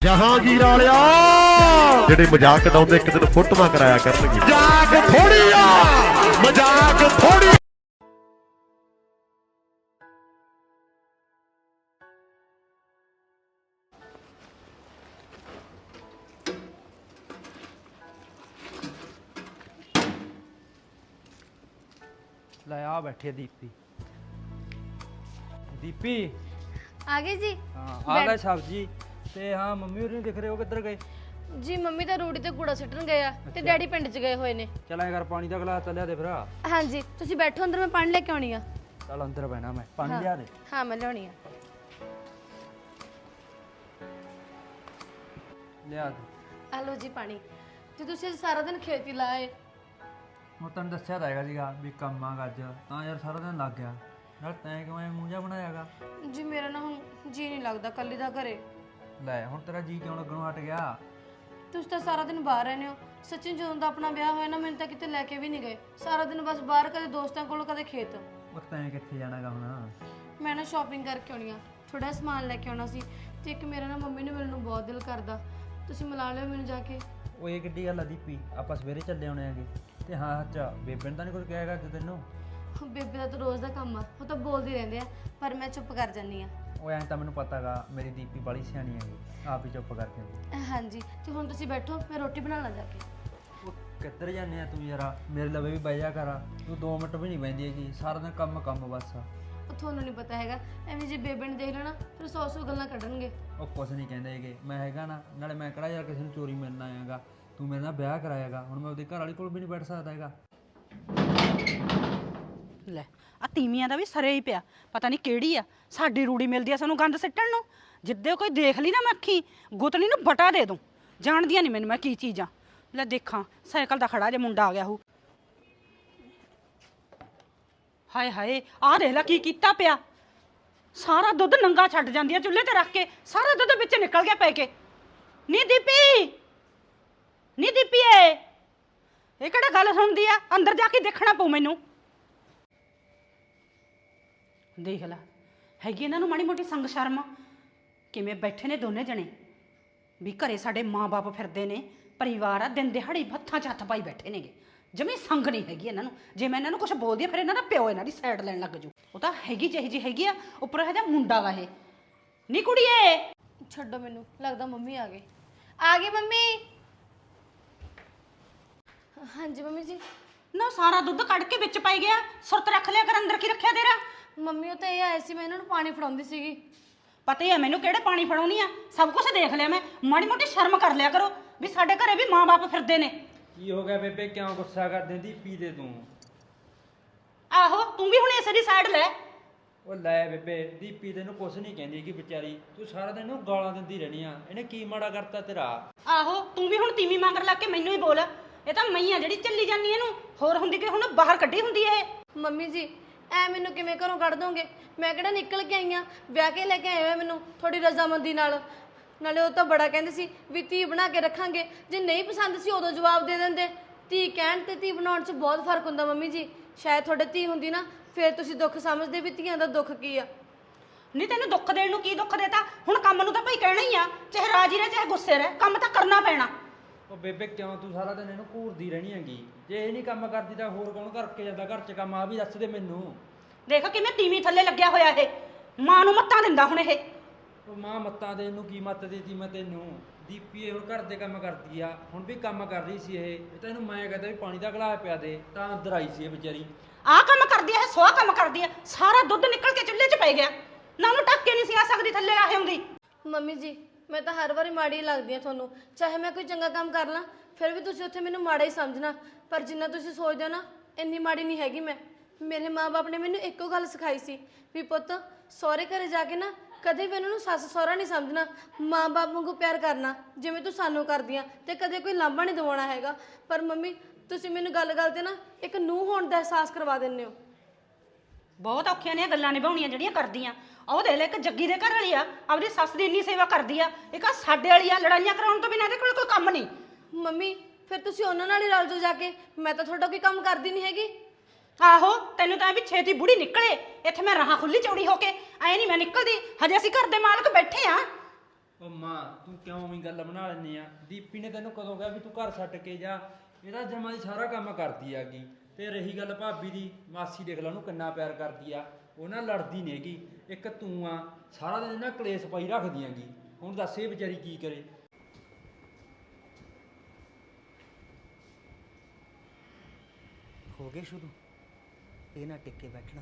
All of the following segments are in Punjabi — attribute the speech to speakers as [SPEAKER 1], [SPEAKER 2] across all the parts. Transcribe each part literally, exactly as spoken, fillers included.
[SPEAKER 1] ਜਹਾਂਗੀਰ ਵਾਲਿਆ ਜਿਹੜੇ ਮਜ਼ਾਕ ਉਡਾਉਂਦੇ ਇੱਕ ਦਿਨ ਫੋਟੋਆਂ ਕਰਾਇਆ ਕਰਨਗੇ। ਮਜ਼ਾਕ ਥੋੜੀ ਆ, ਮਜ਼ਾਕ ਥੋੜੀ।
[SPEAKER 2] ਲੈ ਆ ਬੈਠੀ ਦੀਪੀ। ਦੀਪੀ
[SPEAKER 3] आ गई जी।
[SPEAKER 2] हाँ आ गए सब्जी ते हाँ मम्मी होरी नहीं दिख रहे हो किधर गए
[SPEAKER 3] जी मम्मी ਤਾਂ ਰੂੜੀ ਤੇ ਕੂੜਾ ਸਿੱਟਣ ਗਏ ਆ ਤੇ ਡੈਡੀ ਪਿੰਡ 'ਚ ਗਏ ਹੋਏ ਨੇ।
[SPEAKER 2] चल ऐ कर पानी का गिलास तो लिया दे फिर।
[SPEAKER 3] ਹਾਂਜੀ ਤੁਸੀਂ ਬੈਠੋ ਅੰਦਰ, ਮੈਂ ਪਾਣੀ ਲੈ ਕੇ ਆਉਣੀ ਆ।
[SPEAKER 2] चल अंदर बहना मैं पानी लिया दे।
[SPEAKER 3] ਹਾਂ ਮੈਂ ਲਿਆਉਣੀ ਆ।
[SPEAKER 2] लिया दे।
[SPEAKER 3] ਆ ਲਓ ਜੀ ਪਾਣੀ। ਤੇ ਤੁਸੀਂ ਅੱਜ ਸਾਰਾ ਦਿਨ ਖੇਤੀ ਲਾਏ।
[SPEAKER 2] मैं तेन दसिया तो हैगा सीगा भी कम आ अज तां यार सारा दिन लग गया नाल तैं किवें मूंह जिहा बनायागा।
[SPEAKER 3] ਜੀ ਮੇਰਾ ਨਾ ਹੁਣ ਜੀ ਨਹੀਂ ਲੱਗਦਾ ਕੱਲੀ ਦਾ ਘਰੇ।
[SPEAKER 2] ਲੈ ਹੁਣ ਤੇਰਾ ਜੀ ਕਿਉਂ ਲੱਗਣੋਂ ਹਟ ਗਿਆ।
[SPEAKER 3] ਤੁਸੀਂ ਤਾਂ ਸਾਰਾ ਦਿਨ ਬਾਹਰ ਰਹਿੰਦੇ ਹੋ। ਸੱਚੀ ਜਦੋਂ ਦਾ ਆਪਣਾ ਵਿਆਹ ਹੋਇਆ ਨਾ ਮੈਨੂੰ ਤਾਂ ਕਿਤੇ ਲੈ ਕੇ ਵੀ ਨਹੀਂ ਗਏ। ਸਾਰਾ ਦਿਨ ਬਸ ਬਾਹਰ, ਕਦੇ ਦੋਸਤਾਂ ਕੋਲ ਕਦੇ ਖੇਤ।
[SPEAKER 2] ਉਹ ਤੈਂ ਕਿੱਥੇ ਜਾਣਾਗਾ ਹੁਣ।
[SPEAKER 3] ਮੈਂ ਨਾ ਸ਼ਾਪਿੰਗ ਕਰਕੇ ਆਉਣੀ ਆ, ਥੋੜਾ ਸਮਾਨ ਲੈ ਕੇ ਆਉਣਾ ਸੀ ਤੇ ਇੱਕ ਮੇਰਾ ਨਾ ਮੰਮੀ ਨੂੰ ਮਿਲਣ ਨੂੰ ਬਹੁਤ ਦਿਲ ਕਰਦਾ। ਤੁਸੀਂ ਮਿਲਾ ਲਿਓ ਮੈਨੂੰ ਜਾ ਕੇ।
[SPEAKER 2] ਉਹ ਇਹ ਕਿੱਡੀ ਗੱਲ ਆ ਦੀਪੀ, ਆਪਾਂ ਸਵੇਰੇ ਚੱਲੇ ਆਉਣੇ ਆਗੇ ਤੇ ਹਾਂ ਅੱਛਾ ਬੇਬੇ ਨੇ ਤਾਂ ਨਹੀਂ ਕੁਝ ਕਿਹਾ ਹੈਗਾ ਅੱਜ ਤੈਨੂੰ।
[SPEAKER 3] ਬੇਬੇ ਦਾ ਤਾਂ ਰੋਜ਼ ਦਾ ਕੰਮ ਆ, ਉਹ ਤਾਂ ਬੋਲਦੇ ਰਹਿੰਦੇ ਆ ਪਰ ਮੈਂ ਚੁੱਪ ਕਰ ਜਾਂਦੀ ਆ।
[SPEAKER 2] ਉਹ ਐਂ ਤਾਂ ਮੈਨੂੰ ਪਤਾਗਾ ਮੇਰੀ ਦੀਪੀ ਬੜੀ ਸਿਆਣੀ ਹੈਗੀ, ਆਪ ਹੀ ਚੁੱਪ ਕਰਕੇ ਆਉਂਦੀ।
[SPEAKER 3] ਹਾਂਜੀ ਤੇ ਹੁਣ ਤੁਸੀਂ ਬੈਠੋ, ਮੈਂ ਰੋਟੀ ਬਣਾਉਣਾ ਜਾ ਕੇ।
[SPEAKER 2] ਉਹ ਕਿੱਧਰ ਜਾਂਦੇ ਆ ਤੂੰ ਯਾਰਾ, ਮੇਰੇ ਲਵੇ ਵੀ ਬਹਿ ਜਾ ਕਰ। ਤੂੰ ਦੋ ਮਿੰਟ ਵੀ ਨਹੀਂ ਬਹਿੰਦੀ ਹੈਗੀ, ਸਾਰਾ ਦਿਨ ਕੰਮ ਕੰਮ ਬਸ।
[SPEAKER 3] ਉਹ ਤੁਹਾਨੂੰ ਨਹੀਂ ਪਤਾ ਹੈਗਾ, ਐਵੇਂ ਜੇ ਬੇਬੇ ਨੇ ਦੇਖ ਲੈਣਾ ਫਿਰ ਸੌ ਸੌ ਗੱਲਾਂ ਕੱਢਣਗੇ।
[SPEAKER 2] ਉਹ ਕੁਛ ਨਹੀਂ ਕਹਿੰਦੇ ਹੈਗੇ, ਮੈਂ ਹੈਗਾ ਨਾ। ਨਾਲੇ ਮੈਂ ਕਿਹੜਾ ਯਾਰ ਕਿਸੇ ਨੂੰ ਚੋਰੀ ਮਿਲਣਾ ਆਇਆਗਾ। ਤੂੰ ਮੇਰੇ ਨਾਲ ਵਿਆਹ ਕਰਾਏਗਾ, ਹੁਣ ਮੈਂ ਉਹਦੇ ਘਰ ਵਾਲੀ ਕੋਲ ਵੀ ਨਹੀਂ ਬੈਠ ਸਕਦਾ ਹੈਗਾ।
[SPEAKER 4] ਲੈ ਆ ਤੀਵੀਆਂ ਦਾ ਵੀ ਸਰੇ ਹੀ ਪਿਆ, ਪਤਾ ਨਹੀਂ ਕਿਹੜੀ ਆ। ਸਾਡੀ ਰੂੜੀ ਮਿਲਦੀ ਆ ਸਾਨੂੰ ਗੰਦ ਸਿੱਟਣ ਨੂੰ। ਜਿੱਦੇ ਕੋਈ ਦੇਖ ਲਈ ਨਾ ਮੈਂ ਅੱਖੀ ਗੁੱਤਣੀ ਨੂੰ ਬਟਾ ਦੇ ਦੂੰ। ਜਾਣਦੀਆਂ ਨਹੀਂ ਮੈਨੂੰ ਮੈਂ ਕੀ ਚੀਜ਼ਾਂ। ਲੈ ਦੇਖਾਂ ਸਾਈਕਲ ਦਾ ਖੜਾ ਜੇ ਮੁੰਡਾ ਆ ਗਿਆ ਹੂ। ਹਾਏ ਹਾਏ ਆਹ ਦੇਖ ਲੈ ਕੀ ਕੀਤਾ ਪਿਆ। ਸਾਰਾ ਦੁੱਧ ਨੰਗਾ ਛੱਡ ਜਾਂਦੀ ਆ ਚੁੱਲ੍ਹੇ ਤੇ ਰੱਖ ਕੇ, ਸਾਰਾ ਦੁੱਧ ਵਿੱਚ ਨਿਕਲ ਗਿਆ ਪੈ ਕੇ। ਨੀ ਦੀਪੀ, ਨੀ ਦੀਪੀ ਏ, ਇਹ ਕਿਹੜਾ ਗੱਲ ਸੁਣਦੀ ਆ। ਅੰਦਰ ਜਾ ਕੇ ਦੇਖਣਾ ਪਊ ਮੈਨੂੰ। ਦੇਖ ਲੈ ਹੈਗੀ ਇਹਨਾਂ ਨੂੰ ਮਾੜੀ ਮੋਟੀ ਸੰਗ ਸ਼ਰਮ। ਕਿਵੇਂ ਬੈਠੇ ਨੇ ਦੋਨੇ ਜਣੇ ਵੀ ਘਰੇ ਸਾਡੇ ਮਾਂ-ਬਾਪ ਫਿਰਦੇ ਨੇ, ਪਰਿਵਾਰ ਆ, ਦਿਨ ਦਿਹਾੜੀ ਹੱਥਾਂ 'ਚ ਹੱਥ ਪਾਈ ਬੈਠੇ ਨੇਗੇ। ਜਮੀ ਸੰਗ ਨਹੀਂ ਹੈਗੀ ਇਹਨਾਂ ਨੂੰ। ਜੇ ਮੈਂ ਇਹਨਾਂ ਨੂੰ ਕੁਛ ਬੋਲਦੀ ਆ ਫਿਰ ਇਹਨਾਂ ਦਾ ਪਿਓ ਇਹਨਾਂ ਦੀ ਸਾਈਡ ਲੈਣ ਲੱਗ ਜੂ। ਉਹ ਤਾਂ ਹੈਗੀ ਜਿਹੀ ਜੀ ਹੈਗੀ ਆ, ਉੱਪਰ ਇਹਦਾ ਮੁੰਡਾ ਵਾ ਇਹ। ਨੀ ਕੁੜੀਏ
[SPEAKER 3] ਛੱਡੋ ਮੈਨੂੰ, ਲੱਗਦਾ ਮੰਮੀ ਆ ਗਏ। ਆ ਗਈ ਮੰਮੀ। ਹਾਂਜੀ ਮੰਮੀ ਜੀ।
[SPEAKER 4] ਨਾ ਸਾਰਾ ਦੁੱਧ ਕੱਢ ਕੇ ਵਿੱਚ ਪਾਈ ਗਿਆ। ਸੁਰਤ ਰੱਖ ਲਿਆ ਕਰ, ਅੰਦਰ ਕੀ ਰੱਖਿਆ ਤੇਰਾ।
[SPEAKER 3] ਮੰਮੀ ਉਹ ਤਾਂ ਇਹ ਆਏ ਸੀ, ਮੈਂ ਇਹਨਾਂ ਨੂੰ ਪਾਣੀ ਫੜਾਉਂਦੀ ਸੀਗੀ।
[SPEAKER 4] ਪਤਾ ਹੀ ਆ ਮੈਨੂੰ ਕਿਹੜੇ ਪਾਣੀ ਫੜਾਉਣੀ ਆ, ਸਭ ਕੁਝ ਦੇਖ ਲਿਆ ਮੈਂ। ਮਾੜੀ ਮੋਟੀ ਸ਼ਰਮ ਕਰ ਲਿਆ ਕਰੋ ਵੀ ਸਾਡੇ ਘਰੇ ਵੀ ਮਾਂ-ਬਾਪ ਫਿਰਦੇ ਨੇ।
[SPEAKER 2] ਕੀ ਹੋ ਗਿਆ ਬੇਬੇ, ਕਿਉਂ ਗੁੱਸਾ ਕਰਦੇ ਦੀਪੀ ਦੇ ਤੂੰ।
[SPEAKER 4] ਆਹੋ ਤੂੰ ਵੀ ਹੁਣ ਇਸੇ ਦੀ ਸਾਈਡ ਲੈ।
[SPEAKER 2] ਉਹ ਲੈ ਬੇਬੇ, ਦੀਪੀ ਤੈਨੂੰ ਕੁਛ ਨਹੀਂ ਕਹਿੰਦੀ ਕਿ ਵਿਚਾਰੀ, ਤੂੰ ਸਾਰਾ ਦਿਨ ਉਹਨੂੰ ਗਾਲਾਂ ਦਿੰਦੀ ਰਹਿਣੀ ਆ। ਇਹਨੇ ਕੀ ਮਾੜਾ ਕਰਤਾ ਤੇਰਾ।
[SPEAKER 4] ਆਹੋ ਤੂੰ ਵੀ ਹੁਣ ਤੀਵੀਂ ਮੰਗਰ ਲੱਗ ਕੇ ਮੈਨੂੰ ਹੀ ਬੋਲ। ਇਹ ਤਾਂ ਮੈਂ ਆ ਜਿਹੜੀ ਚੱਲੀ ਜਾਂਦੀ ਇਹਨੂੰ, ਹੋਰ ਹੁੰਦੀ ਕਿ ਹੁਣ ਬਾਹਰ ਕੱਢੀ ਹੁੰਦੀ ਇਹ।
[SPEAKER 3] ਮੰਮੀ ਜੀ ਐ ਮੈਨੂੰ ਕਿਵੇਂ ਘਰੋਂ ਕੱਢ ਦੋਗੇ? ਮੈਂ ਕਿਹੜਾ ਨਿਕਲ ਕੇ ਆਈ ਆ, ਵਿਆਹ ਕੇ ਲੈ ਕੇ ਆਏ ਹੋ ਮੈਨੂੰ ਥੋੜੀ ਰਜ਼ਾਮੰਦੀ ਨਾਲ। ਨਾਲੇ ਉਹ ਤਾਂ ਬੜਾ ਕਹਿੰਦੇ ਸੀ ਵੀ ਧੀ ਬਣਾ ਕੇ ਰੱਖਾਂਗੇ, ਜੇ ਨਹੀਂ ਪਸੰਦ ਸੀ ਉਦੋਂ ਜਵਾਬ ਦੇ ਦਿੰਦੇ। ਧੀ ਕਹਿਣ ਤੇ ਧੀ ਬਣਾਉਣ 'ਚ ਬਹੁਤ ਫਰਕ ਹੁੰਦਾ ਮੰਮੀ ਜੀ। ਸ਼ਾਇਦ ਤੁਹਾਡੇ ਧੀ ਹੁੰਦੀ ਨਾ ਫਿਰ ਤੁਸੀਂ ਦੁੱਖ ਸਮਝਦੇ ਵੀ ਧੀਆਂ ਦਾ ਦੁੱਖ ਕੀ ਆ।
[SPEAKER 4] ਨਹੀਂ ਤੈਨੂੰ ਦੁੱਖ ਦੇਣ ਨੂੰ ਕੀ ਦੁੱਖ ਦੇਤਾ? ਹੁਣ ਕੰਮ ਨੂੰ ਤਾਂ ਭਾਈ ਕਹਿਣਾ ਹੀ ਆ, ਚਾਹੇ ਰਾਜੀ ਰਹਿ ਚਾਹੇ ਗੁੱਸੇ ਰਹਿ, ਕੰਮ ਤਾਂ ਕਰਨਾ ਪੈਣਾ।
[SPEAKER 2] ਉਹ ਬੇਬੇ ਕਿਉਂ ਤੂੰ ਸਾਰਾ ਦਿਨ ਇਹਨੂੰ ਘੂਰਦੀ ਰਹਿਣੀ ਹੈਗੀ? ਜੇ ਇਹ ਨਹੀਂ ਕੰਮ ਕਰਦੀ ਤਾਂ ਹੋਰ ਕੌਣ ਕਰਕੇ ਜਾਂਦਾ ਘਰ 'ਚ ਕੰਮ? ਆ ਵੀ ਦੱਸ ਦੇ ਮੈਨੂੰ।
[SPEAKER 4] ਦੇਖ ਕਿਵੇਂ ਤੀਵੀਂ ਥੱਲੇ ਲੱਗਿਆ ਹੋਇਆ ਇਹ, ਮਾਂ ਨੂੰ ਮੱਤਾਂ ਦਿੰਦਾ ਹੁਣ ਇਹ।
[SPEAKER 2] ਉਹ ਮਾਂ ਮੱਤਾਂ ਦੇ ਇਹਨੂੰ ਕੀ ਮੱਤ ਦੇਤੀ ਮੈਂ ਤੈਨੂੰ? ਦੀਪੀ ਇਹ ਹੁਣ ਘਰ ਦੇ ਕੰਮ ਕਰਦੀ ਆ, ਹੁਣ ਵੀ ਕੰਮ ਕਰ ਰਹੀ ਸੀ ਇਹ। ਇਹ ਤਾਂ ਇਹਨੂੰ ਮੈਂ ਕਹਿੰਦਾ ਵੀ ਪਾਣੀ ਦਾ ਗਲਾਸ ਪਿਆ ਦੇ, ਤਾਂ ਅੰਦਰ ਆਈ ਸੀ ਇਹ ਵਿਚਾਰੀ।
[SPEAKER 4] ਆਹ ਕੰਮ ਕਰਦੀ ਆ ਇਹ, ਸੋਹ ਕੰਮ ਕਰਦੀ ਆ। ਸਾਰਾ ਦੁੱਧ ਨਿਕਲ ਕੇ ਚੁੱਲ੍ਹੇ 'ਚ ਪੈ ਗਿਆ ਨਾ, ਉਹਨੂੰ ਢੱਕ ਕੇ ਨਹੀਂ ਸੀ ਆ ਸਕਦੀ ਥੱਲੇ ਆਹੇ ਹੁੰਦੀ।
[SPEAKER 3] ਮੰਮੀ ਜੀ ਮੈਂ ਤਾਂ ਹਰ ਵਾਰੀ ਮਾੜੀ ਲੱਗਦੀ ਆ ਤੁਹਾਨੂੰ, ਚਾਹੇ ਮੈਂ ਕੋਈ ਚੰਗਾ ਕੰਮ ਕਰ ਲਾਂ ਫਿਰ ਵੀ ਤੁਸੀਂ ਉੱਥੇ ਮੈਨੂੰ ਮਾੜਾ ਹੀ ਸਮਝਣਾ। ਪਰ ਜਿੰਨਾ ਤੁਸੀਂ ਸੋਚਦੇ ਹੋ ਨਾ ਇੰਨੀ ਮਾੜੀ ਨਹੀਂ ਹੈਗੀ ਮੈਂ। ਮੇਰੇ ਮਾਂ-ਬਾਪ ਨੇ ਮੈਨੂੰ ਇੱਕੋ ਗੱਲ ਸਿਖਾਈ ਸੀ ਵੀ ਪੁੱਤ ਸਹੁਰੇ ਘਰੇ ਜਾ ਕੇ ਨਾ ਕਦੇ ਵੀ ਉਹਨਾਂ ਨੂੰ ਸੱਸ ਸਹੁਰਾ ਨਹੀਂ ਸਮਝਣਾ, ਮਾਂ-ਬਾਪ ਵਾਂਗੂ ਪਿਆਰ ਕਰਨਾ ਜਿਵੇਂ ਤੂੰ ਸਾਨੂੰ ਕਰਦੀਆਂ, ਤੇ ਕਦੇ ਕੋਈ ਲਾਂਭਾ ਨਹੀਂ ਦਿਵਾਉਣਾ ਹੈਗਾ। ਪਰ ਮੰਮੀ ਤੁਸੀਂ ਮੈਨੂੰ ਗੱਲ-ਗੱਲ ਤੇ ਨਾ ਇੱਕ ਨੂੰਹ ਹੋਣ ਦਾ ਅਹਿਸਾਸ ਕਰਵਾ ਦਿੰਦੇ ਹੋ।
[SPEAKER 4] ਬਹੁਤ ਔਖੀਆਂ ਨੇ ਗੱਲਾਂ ਨਿਭਾਉਣੀਆਂ ਜਿਹੜੀਆਂ ਕਰਦੀਆਂ। ਉਹ ਦੇਖ ਲੈ ਇੱਕ ਜੱਗੀ ਦੇ ਘਰ ਵਾਲੀ ਆ, ਆਪਣੀ ਸੱਸ ਦੀ ਇੰਨੀ ਸੇਵਾ ਕਰਦੀ ਆ। ਇੱਕ ਆ ਸਾਡੇ ਵਾਲੀ ਆ, ਲੜਾਈਆਂ ਕਰਾਉਣ ਤੋਂ ਬਿਨਾਂ ਇਹਦੇ ਕੋਲ ਕੋਈ ਕੰਮ ਨਹੀਂ।
[SPEAKER 3] ਮੰਮੀ ਫਿਰ ਤੁਸੀਂ ਉਹਨਾਂ ਨਾਲ ਹੀ ਰਲ ਜਾਓ ਜਾ ਕੇ, ਮੈਂ ਤਾਂ ਤੁਹਾਡਾ ਕੋਈ ਕੰਮ ਕਰਦੀ ਨਹੀਂ ਹੈਗੀ।
[SPEAKER 4] ਆਹੋ ਤੈਨੂੰ ਤਾਂ ਵੀ ਛੇਤੀ ਬੁੜੀ ਨਿਕਲੇ, ਇੱਥੇ ਮੈਂ ਰਹਾ ਖੁੱਲੀ ਚੌੜੀ ਹੋ ਕੇ ਐ ਨਹੀਂ ਮੈਂ ਨਿਕਲਦੀ। ਹਜੇ ਅਸੀਂ ਘਰ ਦੇ ਮਾਲਕ ਬੈਠੇ ਆ।
[SPEAKER 2] ਉਹ ਮਾਂ ਤੂੰ ਕਿਉਂ ਵੀ ਗੱਲ ਬਣਾ ਲੈਂਦੀ ਆ? ਦੀਪੀ ਨੇ ਤੈਨੂੰ ਕਦੋਂ ਕਿਹਾ ਵੀ ਤੂੰ ਘਰ ਛੱਡ ਕੇ ਜਾ? ਇਹਦਾ ਜਮਾਂ ਦੀ ਸਾਰਾ ਕੰਮ ਕਰਦੀ ਆਗੀ। ਤੇ ਰਹੀ ਗੱਲ ਭਾਬੀ ਦੀ, ਮਾਸੀ ਦੇਖ ਲੈ ਉਹਨੂੰ ਕਿੰਨਾ ਪਿਆਰ ਕਰਦੀ ਆ। ਉਹ ਨਾ ਲੜਦੀ ਨੀ ਹੈਗੀ। ਇੱਕ ਤੂੰ ਆ ਸਾਰਾ ਦਿਨ ਨਾ ਕਲੇਸ਼ ਪਾਈ ਰੱਖਦੀ ਆਂਗੀ। ਹੁਣ ਦੱਸ ਇਹ ਵਿਚਾਰੀ ਕੀ ਕਰੇ?
[SPEAKER 5] ਹੋ ਗਏ ਸ਼ੁਰੂ, ਇਹ ਨਾ ਟਿੱਕੇ ਬੈਠਣਾ।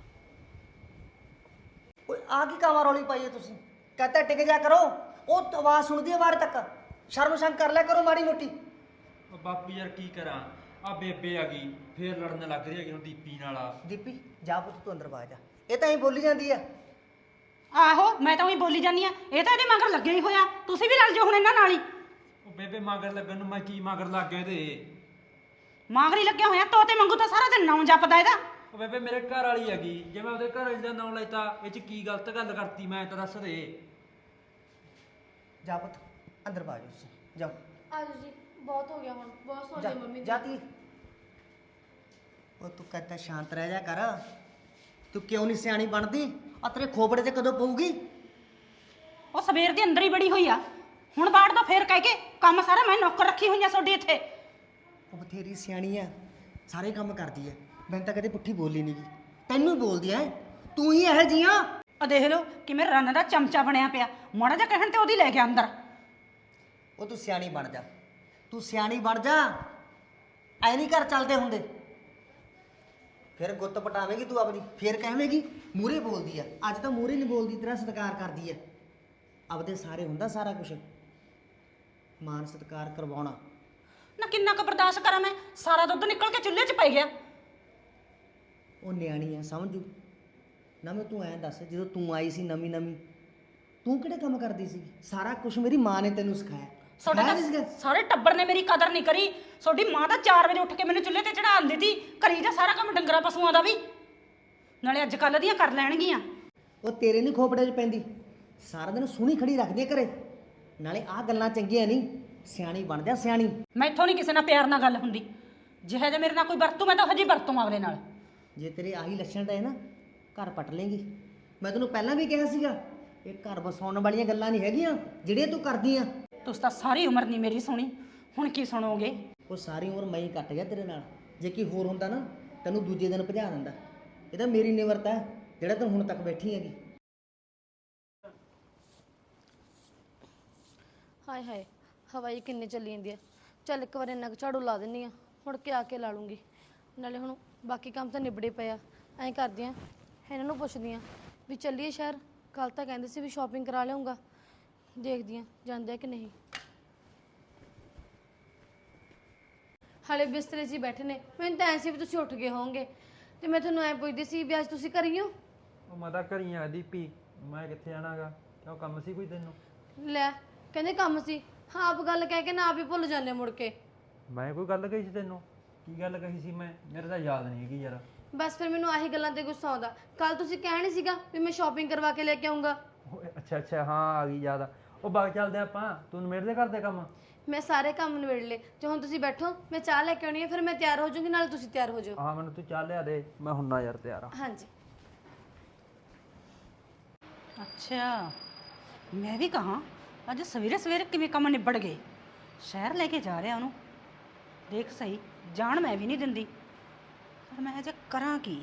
[SPEAKER 5] ਓਏ ਆ ਕੀ ਕਾਵਾਂ ਰੌਲੀ ਪਾਈ ਹੈ ਤੁਸੀਂ? ਕਹਤਾ ਟਿਕ ਜਾ ਕਰੋ, ਉਹ ਆਵਾਜ਼ ਸੁਣਦੀ ਹੈ ਬਾਹਰ ਤੱਕ। ਸ਼ਰਮ ਸ਼ਰਮ ਕਰ ਲਿਆ ਕਰੋ ਮਾੜੀ ਮੋਟੀ।
[SPEAKER 2] ਉਹ ਬਾਪੂ ਯਾਰ ਕੀ ਕਰਾਂ, ਆ ਬੇਬੇ ਆ ਗਈ ਫੇਰ ਲੜਨ ਲੱਗ ਰਹੀ ਹੈਗੀ ਹੁਣ ਦੀਪੀ ਨਾਲ।
[SPEAKER 5] ਦੀਪੀ ਜਾ ਪੁੱਤ ਤੂੰ ਅੰਦਰ ਬਾਜ ਜਾ, ਇਹ ਤਾਂ ਹੀ ਬੋਲੀ ਜਾਂਦੀ ਆ।
[SPEAKER 4] ਆਹੋ ਮੈਂ ਤਾਂ ਉਹੀ ਬੋਲੀ ਜਾਂਦੀ ਆ, ਇਹ ਤਾਂ ਇਹਦੇ ਮਗਰ ਲੱਗਿਆ ਹੀ ਹੋਇਆ। ਤੁਸੀਂ ਵੀ ਲੜ ਜਾਓ ਹੁਣ ਇਹਨਾਂ ਨਾਲ ਹੀ।
[SPEAKER 2] ਉਹ ਬੇਬੇ ਮਗਰ ਲੱਗਣ ਨੂੰ ਮੈਂ ਕੀ ਮਗਰ ਲੱਗ ਗਿਆ ਇਹਦੇ?
[SPEAKER 4] ਮਗਰ ਹੀ ਲੱਗਿਆ ਹੋਇਆ, ਤੋਤੇ ਮੰਗੂ ਤਾਂ ਸਾਰਾ ਦਿਨ ਨਾਂ ਜਪਦਾ ਇਹਦਾ।
[SPEAKER 2] ਉਹ ਬੇਬੇ ਮੇਰੇ ਘਰ ਵਾਲੀ ਹੈਗੀ, ਜੇ ਮੈਂ ਉਹਦੇ ਘਰ ਵਾਲੀ ਦਾ ਨਾਮ ਲੈਤਾ ਇਹ ਚ ਕੀ ਗਲਤ ਗੱਲ ਕਰਤੀ ਮੈਂ? ਤਾਂ ਦੱਸ ਦੇ।
[SPEAKER 5] ਜਾ ਪੁੱਤ ਅੰਦਰ ਬਾਜ ਜਾ ਤੁਸੀਂ, ਜਾਓ
[SPEAKER 3] ਆਜੋ ਜੀ, ਬਹੁਤ ਹੋ ਗਿਆ ਹੁਣ, ਬਹੁਤ ਸੋਚ
[SPEAKER 5] ਜਾ
[SPEAKER 3] ਲਈ ਮੰਮੀ ਦੀ।
[SPEAKER 5] ਜਾਤੀ। ਉਹ ਤੂੰ ਕਹਤਾ ਸ਼ਾਂਤ ਰਹਿ ਜਾ ਕਰ, ਤੂੰ ਕਿਉਂ ਨਹੀਂ ਸਿਆਣੀ ਬਣਦੀ? ਆ ਤੇਰੇ ਖੋਪੜੇ ਤੇ ਕਦੋਂ ਪਊਗੀ?
[SPEAKER 4] ਉਹ ਸਵੇਰ ਦੇ ਅੰਦਰ ਹੀ ਬੜੀ ਹੋਈ ਆ, ਹੁਣ ਬਾੜ ਦੋ ਫੇਰ ਕਹਿ ਕੇ ਕੰਮ ਸਾਰਾ ਮੈਂ ਨੌਕਰ ਰੱਖੀ ਹੋਈ ਆ ਤੁਹਾਡੀ ਇੱਥੇ।
[SPEAKER 5] ਉਹ ਬਥੇਰੀ ਸਿਆਣੀ ਆ, ਸਾਰੇ ਕੰਮ ਕਰਦੀ ਐ। ਮੈਂ ਤਾਂ ਕਦੇ ਪੁੱਠੀ ਬੋਲੀ ਨਹੀਂ ਗੀ, ਤੈਨੂੰ ਹੀ ਬੋਲਦੀ ਐ। ਤੂੰ ਹੀ ਇਹੋ ਜਿਹੀ ਆ।
[SPEAKER 4] ਆ ਦੇਖ ਲਓ ਕਿਵੇਂ ਰਨ ਦਾ ਚਮਚਾ ਬਣਿਆ ਪਿਆ, ਮਾੜਾ ਜਿਹਾ ਕਹਿਣ ਤੇ ਉਹਦੀ ਲੈ ਗਿਆ ਅੰਦਰ।
[SPEAKER 5] ਉਹ ਤੂੰ ਸਿਆਣੀ ਬਣ ਜਾ, ਤੂੰ ਸਿਆਣੀ ਬਣ ਜਾ। ਐ ਨਹੀਂ ਘਰ ਚੱਲਦੇ ਹੁੰਦੇ। ਫਿਰ ਗੁੱਤ ਪਟਾਵੇਂਗੀ ਤੂੰ ਆਪਣੀ, ਫਿਰ ਕਹਵੇਂਗੀ ਮੂਰੇ ਬੋਲਦੀ ਆ। ਅੱਜ ਤਾਂ ਮੂਰੇ ਨਹੀਂ ਬੋਲਦੀ, ਤੇਰਾ ਸਤਿਕਾਰ ਕਰਦੀ ਐ। ਆਪਦੇ ਸਾਰੇ ਹੁੰਦਾ ਸਾਰਾ ਕੁਝ, ਮਾਨ ਸਤਿਕਾਰ ਕਰਵਾਉਣਾ।
[SPEAKER 4] ਨਾ ਕਿੰਨਾ ਕੁ ਬਰਦਾਸ਼ਤ ਕਰਾਂ ਮੈਂ, ਸਾਰਾ ਦੁੱਧ ਨਿਕਲ ਕੇ ਚੁੱਲ੍ਹੇ 'ਚ ਪੈ ਗਿਆ।
[SPEAKER 5] ਉਹ ਨਿਆਣੀ ਆ, ਸਮਝੂ ਨਾ। ਮੈਂ ਤੂੰ ਐਂ ਦੱਸ, ਜਦੋਂ ਤੂੰ ਆਈ ਸੀ ਨਵੀਂ ਨਵੀਂ, ਤੂੰ ਕਿਹੜੇ ਕੰਮ ਕਰਦੀ ਸੀ? ਸਾਰਾ ਕੁਝ ਮੇਰੀ ਮਾਂ ਨੇ ਤੈਨੂੰ ਸਿਖਾਇਆ।
[SPEAKER 4] ਤੁਹਾਡੇ
[SPEAKER 5] ਸਿਖਾਇਆ ਨੀ ਸੀਗਾ?
[SPEAKER 4] ਤਾਂ ਸਾਰੇ ਟੱਬਰ ਨੇ ਮੇਰੀ ਕਦਰ ਨਹੀਂ ਕਰੀ। ਤੁਹਾਡੀ ਮਾਂ ਤਾਂ ਚਾਰ ਵਜੇ ਉੱਠ ਕੇ ਮੈਨੂੰ ਚੁੱਲ੍ਹੇ ਤੇ ਚੜ੍ਹਾ ਦਿੰਦੀ ਤੀ, ਕਰੀ ਜਾ ਸਾਰਾ ਕੰਮ ਡੰਗਰਾਂ ਪਸ਼ੂਆਂ ਦਾ ਵੀ। ਨਾਲੇ ਅੱਜ ਕੱਲ੍ਹ ਦੀਆਂ ਕਰ ਲੈਣਗੀਆਂ।
[SPEAKER 5] ਉਹ ਤੇਰੇ ਨਹੀਂ ਖੋਪੜੇ 'ਚ ਪੈਂਦੀ, ਸਾਰਾ ਦਿਨ ਸੋਹਣੀ ਖੜੀ ਰੱਖਦੀ ਆ ਘਰੇ। ਨਾਲੇ ਆਹ ਗੱਲਾਂ ਚੰਗੀਆਂ ਨਹੀਂ, ਸਿਆਣੀ ਬਣ ਜਾ ਸਿਆਣੀ।
[SPEAKER 4] ਮੈਥੋਂ ਨਹੀਂ ਕਿਸੇ ਨਾਲ ਪਿਆਰ ਨਾਲ ਗੱਲ ਹੁੰਦੀ। ਜਿਹੇ ਜੇ ਮੇਰੇ ਨਾਲ ਕੋਈ ਵਰਤੂ ਮੈਂ ਤਾਂ ਹਜੇ ਵਰਤੂ ਅਗਲੇ ਨਾਲ।
[SPEAKER 5] ਜੇ ਤੇਰੇ ਆਹੀ ਲੱਛਣ ਰਹੇ ਨਾ, ਘਰ ਪਟ ਲੇਂਗੀ। ਮੈਂ ਤੈਨੂੰ ਪਹਿਲਾਂ ਵੀ ਕਿਹਾ ਸੀਗਾ, ਇਹ ਘਰ ਵਸਾਉਣ ਵਾਲੀਆਂ ਗੱਲਾਂ ਨਹੀਂ ਹੈਗੀਆਂ ਜਿਹੜੀਆਂ ਤੂੰ ਕਰਦੀ ਆ।
[SPEAKER 4] ਤੁਸੀਂ ਤਾਂ ਸਾਰੀ ਉਮਰ ਨਹੀਂ ਮੇਰੀ ਸੁਣੀ, ਹੁਣ ਕੀ ਸੁਣੋਗੇ?
[SPEAKER 5] ਉਹ ਸਾਰੀ ਉਮਰ ਮੈਂ ਹੀ ਕੱਟ ਗਿਆ ਤੇਰੇ ਨਾਲ। ਜੇ ਕੀ ਹੋਰ ਹੁੰਦਾ ਨਾ, ਤੈਨੂੰ ਦੂਜੇ ਦਿਨ ਭਜਾ ਦਿੰਦਾ। ਇਹ ਤਾਂ ਮੇਰੀ ਨਿਵਰਤ ਹੈ ਜਿਹੜਾ ਤੂੰ ਹੁਣ ਤੱਕ ਬੈਠੀ ਹੈਗੀ।
[SPEAKER 3] ਹਾਏ ਹਾਏ, ਹਵਾਈ ਕਿੰਨੀ ਚੱਲੀ ਜਾਂਦੀ ਆ। ਚੱਲ ਇੱਕ ਵਾਰ ਇੰਨਾ ਕੁ ਝਾੜੂ ਲਾ ਦਿੰਨੀ ਆ, ਮੁੜ ਕੇ ਆ ਕੇ ਲਾ ਲੂੰਗੀ। ਨਾਲੇ ਹੁਣ ਬਾਕੀ ਕੰਮ ਤਾਂ ਨਿਬੜੇ ਪਏ ਆ। ਐਂ ਕਰਦੀ ਆ, ਇਹਨਾਂ ਨੂੰ ਪੁੱਛਦੀ ਆ ਵੀ ਚੱਲੀਏ ਸ਼ਹਿਰ। ਕੱਲ ਤਾਂ ਕਹਿੰਦੇ ਸੀ ਵੀ ਸ਼ਾਪਿੰਗ ਕਰਾ ਲਿਆਉਂਗਾ, ਦੇਖਦੀ ਆ ਜਾਂਦੇ ਆ ਕਿ ਨਹੀਂ। ਹਾਲੇ ਬਿਸਤਰੇ 'ਚ ਹੀ ਬੈਠੇ ਨੇ। ਮੈਨੂੰ ਤਾਂ ਐਂ ਸੀ ਵੀ ਤੁਸੀਂ ਉੱਠ ਗਏ ਹੋਵੋਗੇ, ਤੇ ਮੈਂ ਤੁਹਾਨੂੰ ਐਂ ਪੁੱਛਦੀ ਸੀ ਵੀ ਅੱਜ ਤੁਸੀਂ ਘਰੇ ਹੀ ਹੋ?
[SPEAKER 2] ਉਹ ਮੈਂ ਤਾਂ ਘਰੀ ਆ ਦੀਪੀ, ਮੈਂ ਕਿੱਥੇ ਜਾਣਾਗਾ? ਕਿਉਂ ਕੰਮ ਸੀ ਕੋਈ ਤੈਨੂੰ?
[SPEAKER 3] ਲੈ ਕਹਿੰਦੇ ਕੰਮ ਸੀ, ਹਾਂ ਆਪ ਗੱਲ ਕਹਿ ਕੇ ਨਾ ਆਪ ਹੀ ਭੁੱਲ ਜਾਂਦੇ ਮੁੜ ਕੇ।
[SPEAKER 2] ਮੈਂ ਕੋਈ ਗੱਲ ਕਹੀ ਸੀ ਤੈਨੂੰ? ਕੀ ਗੱਲ ਕਹੀ ਸੀ ਮੈਂ? ਮੇਰੇ ਤਾਂ ਯਾਦ ਨਹੀਂ ਹੈਗੀ ਯਾਰ।
[SPEAKER 3] ਬਸ ਫਿਰ ਮੈਨੂੰ ਆਹੀ ਗੱਲਾਂ ਤੇ ਗੁੱਸਾ ਆਉਂਦਾ। ਕੱਲ ਤੁਸੀਂ ਕਹਿ ਨਹੀਂ ਸੀਗਾ ਵੀ ਮੈਂ ਸ਼ਾਪਿੰਗ ਕਰਵਾ ਕੇ ਲੈ ਕੇ ਆਉਂਗਾ?
[SPEAKER 2] ਓਏ ਅੱਛਾ ਅੱਛਾ, ਹਾਂ ਆ ਗਈ ਯਾਦ। ਉਹ ਬਾਗ ਚੱਲਦੇ ਆਪਾਂ, ਤੂੰ ਮੇਰੇ ਕਰਦੇ ਕੰਮ।
[SPEAKER 3] ਮੈਂ ਸਾਰੇ ਕੰਮ ਨਿਬੇੜ ਲਏ, ਤੇ ਹੁਣ ਤੁਸੀਂ ਬੈਠੋ, ਮੈਂ ਚਾਹ ਲੈ ਕੇ ਆਉਣੀ ਹੈ, ਫਿਰ ਮੈਂ ਤਿਆਰ ਹੋ ਜਾਊਂਗੀ, ਨਾਲ ਤੁਸੀਂ ਤਿਆਰ ਹੋ ਜਾਓ।
[SPEAKER 2] ਹਾਂ ਮੈਨੂੰ ਤੂੰ ਚਾਹ ਲਿਆ ਦੇ, ਮੈਂ ਹੁੰਨਾ ਯਾਰ ਤਿਆਰ ਆ।
[SPEAKER 3] ਹਾਂਜੀ।
[SPEAKER 4] ਅੱਛਾ, ਮੈਂ ਵੀ ਕਹਾਂ ਅੱਜ ਸਵੇਰੇ ਸਵੇਰੇ ਕਿਵੇਂ ਕੰਮ ਨਿਬੜ ਗਏ। ਸ਼ਹਿਰ ਲੈ ਕੇ ਜਾ ਰਿਹਾ ਉਹਨੂੰ, ਦੇਖ ਸਹੀ ਜਾਣ ਮੈਂ ਵੀ ਨਹੀਂ ਦਿੰਦੀ, ਪਰ ਮੈਂ ਅਜੇ ਕਰਾਂ ਕੀ?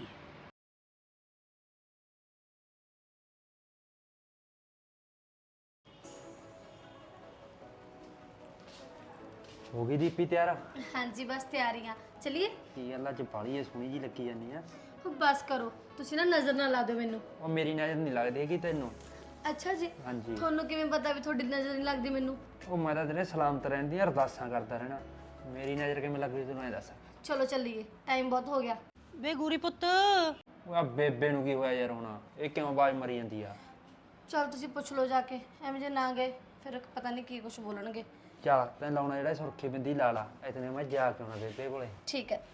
[SPEAKER 2] ਹੋ ਗਈ ਦੀਪੀ ਤਿਆਰ?
[SPEAKER 3] ਹਾਂਜੀ ਬਸ ਤਿਆਰੀਆਂ, ਚਲਿਏ।
[SPEAKER 2] ਕੀ ਗੱਲ ਅੱਜ ਬਾਲੀ ਸੋਹਣੀ ਜੀ ਲੱਗੀ ਜਾਂਦੀ ਆ।
[SPEAKER 3] ਬਸ ਕਰੋ, ਤੁਸੀਂ ਨਾ ਨਜ਼ਰ ਨਾ ਲਾ ਦਿਓ ਮੈਨੂੰ।
[SPEAKER 2] ਉਹ ਮੇਰੀ ਨਜ਼ਰ ਨਹੀਂ ਲੱਗਦੀ ਹੈਗੀ ਤੈਨੂੰ।
[SPEAKER 3] ਅੱਛਾ ਜੀ,
[SPEAKER 2] ਹਾਂਜੀ।
[SPEAKER 3] ਤੁਹਾਨੂੰ ਕਿਵੇਂ ਪਤਾ ਵੀ ਤੁਹਾਡੀ ਨਜ਼ਰ ਨਹੀਂ ਲੱਗਦੀ ਮੈਨੂੰ?
[SPEAKER 2] ਉਹ ਮੈਂ ਤਾਂ ਤੇਰੇ ਸਲਾਮਤ ਰਹਿੰਦੀ ਆ, ਅਰਦਾਸਾਂ ਕਰਦਾ ਰਹਿਣਾ। ਮੇਰੀ ਨਜ਼ਰ ਕਿਵੇਂ ਲੱਗਦੀ ਤੈਨੂੰ ਐ ਦੱਸ।
[SPEAKER 3] ਚਲੋ ਚੱਲੀਏ, ਟਾਈਮ ਬਹੁਤ ਹੋ ਗਿਆ।
[SPEAKER 4] ਵੇ ਗੂਰੀ ਪੁੱਤ,
[SPEAKER 2] ਉਹ ਆ ਬੇਬੇ ਨੂੰ ਕੀ ਹੋਇਆ ਯਾਰ ਹੁਣ? ਇਹ ਕਿਉਂ ਆਵਾਜ਼ ਮਰੀ ਜਾਂਦੀ ਆ?
[SPEAKER 3] ਚਲ ਤੁਸੀਂ ਪੁੱਛ ਲਓ ਜਾ ਕੇ, ਐਵੇਂ ਜੇ ਨਾ ਗਏ ਫਿਰ ਪਤਾ ਨਹੀਂ ਕੀ ਕੁਝ ਬੋਲਣਗੇ।
[SPEAKER 2] ਚੱਲ ਤੈਨੂੰ ਲਾਉਣਾ ਜਿਹੜਾ ਸੁਰਖੀ ਬਿੰਦੀ ਲਾ ਲਾ, ਇਤਨੇ ਮੈਂ ਜਾ ਕੇ ਆਉਣਾ ਬੇਬੇ ਕੋਲੇ।
[SPEAKER 3] ਠੀਕ ਹੈ।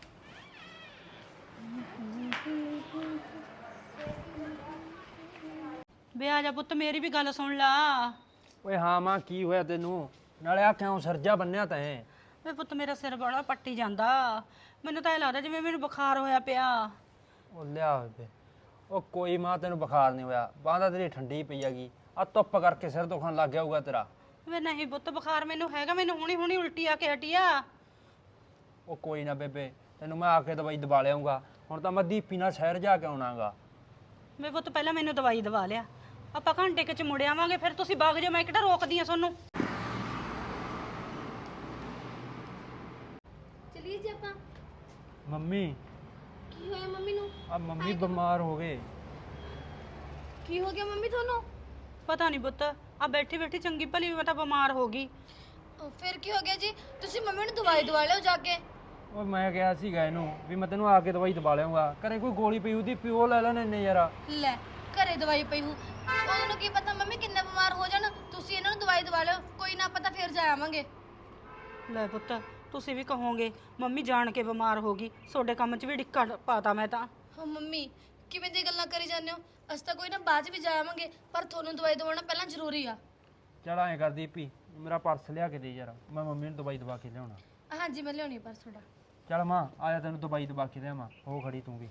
[SPEAKER 4] ਵੇ ਆ ਜਾ ਪੁੱਤ, ਮੇਰੀ ਵੀ ਗੱਲ ਸੁਣ ਲਾ।
[SPEAKER 2] ਓਏ ਹਾਂ ਮਾਂ, ਕੀ ਹੋਇਆ ਤੈਨੂੰ? ਨਾਲੇ ਆ ਕਿਉਂ ਸਰਜਾ ਬੰਨਿਆ ਤੈਂ?
[SPEAKER 4] ਵੇ ਪੁੱਤ ਮੇਰਾ ਸਿਰ ਬੜਾ ਪੱਟੀ ਜਾਂਦਾ, ਮੈਨੂੰ ਤਾਂ ਇਹ ਲੱਗਦਾ ਜਿਵੇਂ ਮੈਨੂੰ ਬੁਖਾਰ ਹੋਇਆ ਪਿਆ।
[SPEAKER 2] ਉਹ ਲਿਆ ਬੇਬੇ। ਉਹ ਕੋਈ ਮਾਂ ਤੈਨੂੰ ਬੁਖਾਰ ਨਹੀਂ ਹੋਇਆ, ਬਾਂਹ ਤਾਂ ਤੇਰੀ ਠੰਡੀ ਪਈ ਹੈਗੀ। ਆ ਧੁੱਪ ਕਰਕੇ ਸਿਰ ਦੁਖਣ ਲੱਗ ਗਿਆ ਹੋਊਗਾ ਤੇਰਾ।
[SPEAKER 4] ਵੇ ਨਹੀਂ ਪੁੱਤ ਬੁਖਾਰ ਮੈਨੂੰ ਹੈਗਾ, ਮੈਨੂੰ ਹੁਣੀ ਹੁਣੀ ਉਲਟੀ ਆ ਕੇ ਹਟੀ ਆ।
[SPEAKER 2] ਉਹ ਕੋਈ ਨਾ ਬੇਬੇ, ਤੈਨੂੰ ਮੈਂ ਆ ਕੇ ਦਵਾਈ ਦਵਾ ਲਿਆਉਂਗਾ। ਹੁਣ ਤਾਂ ਮੈਂ ਦੀਪੀ ਨਾਲ ਸ਼ਹਿਰ ਜਾ ਕੇ ਆਉਣਾਗਾ।
[SPEAKER 4] ਵੇ ਪੁੱਤ ਪਹਿਲਾਂ ਮੈਨੂੰ ਦਵਾਈ ਦਵਾ ਲਿਆ, ਆਪਾਂ ਘੰਟੇ ਕੁ ਚ ਮੁੜ ਆਵਾਂਗੇ, ਫਿਰ ਤੁਸੀਂ ਵਗ ਜਾਓ, ਮੈਂ ਕਿਹੜਾ ਰੋਕਦੀ ਆ ਤੁਹਾਨੂੰ।
[SPEAKER 3] ਚਲੀਏ ਜੀ ਆਪਾਂ।
[SPEAKER 2] ਮੰਮੀ
[SPEAKER 3] ਕੀ ਹੋਇਆ ਮੰਮੀ ਨੂੰ?
[SPEAKER 2] ਆ ਮੰਮੀ ਬਿਮਾਰ ਹੋ ਗਏ।
[SPEAKER 3] ਕੀ ਹੋ ਗਿਆ ਮੰਮੀ ਤੁਹਾਨੂੰ?
[SPEAKER 4] ਪਤਾ ਨਹੀਂ ਪੁੱਤ, ਆ ਬੈਠੀ ਬੈਠੀ ਚੰਗੀ ਭਲੀ ਮੈਂ ਤਾਂ ਬਿਮਾਰ ਹੋ ਗਈ।
[SPEAKER 3] ਅਹ ਫਿਰ ਕੀ ਹੋ ਗਿਆ ਜੀ? ਤੁਸੀਂ ਮੰਮੀ ਨੂੰ ਦਵਾਈ ਦਵਾ ਲਿਓ ਜਾ ਕੇ।
[SPEAKER 2] ਉਹ ਮੈਂ ਕਿਹਾ ਸੀਗਾ ਇਹਨੂੰ ਵੀ ਮੈਂ ਤੈਨੂੰ ਆ ਕੇ ਦਵਾਈ ਦਵਾ ਲਿਆਉਂਗਾ। ਘਰੇ ਕੋਈ ਗੋਲੀ ਪਈ ਉਹਦੀ ਪਿਓ ਲੈ ਲੈਣੇ ਨੇ ਯਾਰ।
[SPEAKER 3] ਲੈ ਘਰੇ ਦਵਾਈ ਪਈ ਹੂੰ, ਉਹਨਾਂ ਨੂੰ ਕੀ ਪਤਾ ਮੰਮੀ ਕਿੰਨੇ ਬਿਮਾਰ ਹੋ ਜਾਣ। ਤੁਸੀਂ ਇਹਨਾਂ ਨੂੰ ਦਵਾਈ ਦਵਾ ਲਿਓ, ਕੋਈ ਨਾ ਪਤਾ ਫਿਰ ਜਾ ਆਵਾਂਗੇ।
[SPEAKER 4] ਲੈ ਪੁੱਤ ਤੁਸੀਂ ਵੀ ਕਹੋਗੇ ਮੰਮੀ ਜਾਣ ਕੇ ਬਿਮਾਰ ਹੋ ਗਈ, ਤੁਹਾਡੇ ਕੰਮ 'ਚ ਵੀ ਡਿੱਕਾ ਪਾਤਾ ਮੈਂ ਤਾਂ।
[SPEAKER 3] ਹਾਂ ਮੰਮੀ ਕਿਵੇਂ ਦੀ ਗੱਲਾਂ ਕਰੀ ਜਾਂਦੇ ਹੋ? ਅਸੀਂ ਤਾਂ ਕੋਈ ਨਾ ਬਾਅਦ 'ਚ ਵੀ ਜਾ ਆਵਾਂਗੇ, ਪਰ ਤੁਹਾਨੂੰ ਦਵਾਈ ਦਵਾਉਣਾ ਪਹਿਲਾਂ ਜ਼ਰੂਰੀ ਆ।
[SPEAKER 2] ਚਲ ਐਂ ਕਰ ਦੀਪੀ, ਮੇਰਾ ਪਰਸ ਲਿਆ ਕੇ ਦੇ ਯਾਰ, ਮੈਂ ਮੰਮੀ ਨੂੰ ਦਵਾਈ ਦਵਾ ਕੇ ਲਿਆਉਣਾ।
[SPEAKER 3] ਹਾਂਜੀ ਮੈਂ ਲਿਆਉਣੀ ਪਰਸ ਤੁਹਾਡਾ।
[SPEAKER 2] ਚੱਲ ਮਾਂ ਆ ਜਾ, ਤੈਨੂੰ ਦਵਾਈ ਦਵਾ ਕੇ ਲਿਆਵਾਂ। ਉਹ ਖੜੀ ਤੂੰ ਵੀ।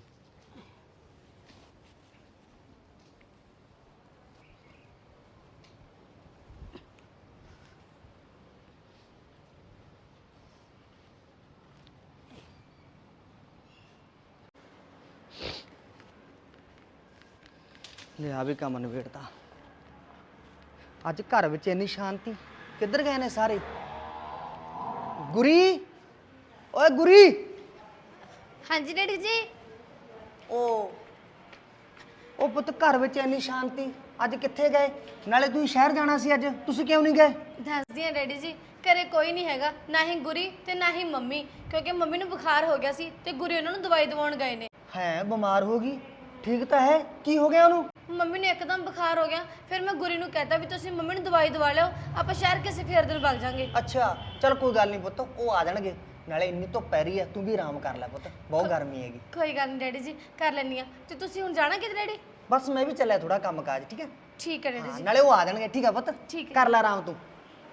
[SPEAKER 5] ਲਿਆ ਵੀ ਕੰਮ ਨਿਬੇੜਤਾ। ਅੱਜ ਘਰ ਵਿੱਚ ਇੰਨੀ ਸ਼ਾਂਤੀ, ਕਿੱਧਰ ਗਏ ਨੇ ਸਾਰੇ? ਗੁਰੀ, ਓਏ ਗੁਰੀ।
[SPEAKER 3] ਹਾਂਜੀ ਡੈਡੀ ਜੀ।
[SPEAKER 5] ਉਹ ਉਹ ਪੁੱਤ ਘਰ ਵਿੱਚ ਇੰਨੀ ਸ਼ਾਂਤੀ, ਅੱਜ ਕਿੱਥੇ ਗਏ? ਨਾਲੇ ਤੁਸੀਂ ਸ਼ਹਿਰ ਜਾਣਾ ਸੀ ਅੱਜ, ਤੁਸੀਂ ਕਿਉਂ ਨਹੀਂ ਗਏ?
[SPEAKER 3] ਦੱਸਦੀ ਆ ਡੈਡੀ ਜੀ, ਘਰੇ ਕੋਈ ਨਹੀਂ ਹੈਗਾ, ਨਾ ਹੀ ਗੁਰੀ ਤੇ ਨਾ ਹੀ ਮੰਮੀ, ਕਿਉਂਕਿ ਮੰਮੀ ਨੂੰ ਬੁਖਾਰ ਹੋ ਗਿਆ ਸੀ ਤੇ ਗੁਰੀ ਉਹਨਾਂ ਨੂੰ ਦਵਾਈ ਦਵਾਉਣ ਗਏ ਨੇ।
[SPEAKER 5] ਹੈ ਬਿਮਾਰ ਹੋ ਗਈ? ਠੀਕ ਤਾਂ ਹੈ, ਕੀ ਹੋ ਗਿਆ ਉਹਨੂੰ?
[SPEAKER 3] ਮੰਮੀ ਨੂੰ ਇੱਕਦਮ ਬੁਖਾਰ ਹੋ ਗਿਆ, ਫਿਰ ਮੈਂ ਗੁਰੀ ਨੂੰ ਕਹਿਤਾ ਵੀ ਤੁਸੀਂ ਮੰਮੀ ਨੂੰ ਦਵਾਈ ਦਵਾ ਲਿਓ, ਆਪਾਂ ਸ਼ਹਿਰ ਕਿਸੇ ਫੇਰ ਦਿਨ ਵਗ ਜਾਾਂਗੇ।
[SPEAKER 5] ਅੱਛਾ ਚਲ ਕੋਈ ਗੱਲ ਨਹੀਂ ਪੁੱਤ, ਉਹ ਆ ਜਾਣਗੇ। ਨਾਲੇ ਇੰਨੀ ਧੁੱਪ ਪੈ ਰਹੀ ਹੈ, ਤੂੰ ਵੀ ਆਰਾਮ ਕਰ ਲੈ ਪੁੱਤ, ਬਹੁਤ ਗਰਮੀ ਹੈਗੀ।
[SPEAKER 3] ਕੋਈ ਗੱਲ ਨਹੀਂ ਡੈਡੀ ਜੀ, ਕਰ ਲੈਣੀ ਆ। ਤੇ ਤੁਸੀਂ ਹੁਣ ਜਾਣਾ ਕਿਤੇ ਡੈਡੀ?
[SPEAKER 5] ਬਸ ਮੈਂ ਵੀ ਚੱਲਿਆ ਥੋੜਾ ਕੰਮ ਕਾਜ, ਠੀਕ ਹੈ?
[SPEAKER 3] ਠੀਕ ਹੈ ਡੈਡੀ
[SPEAKER 5] ਹਾਂ,
[SPEAKER 3] ਜੀ।
[SPEAKER 5] ਨਾਲੇ ਉਹ ਆ ਜਾਣਗੇ, ਠੀਕ ਹੈ ਪੁੱਤ?
[SPEAKER 3] ਠੀਕ ਹੈ।
[SPEAKER 5] ਕਰ ਲੈ ਆਰਾਮ ਤੂੰ।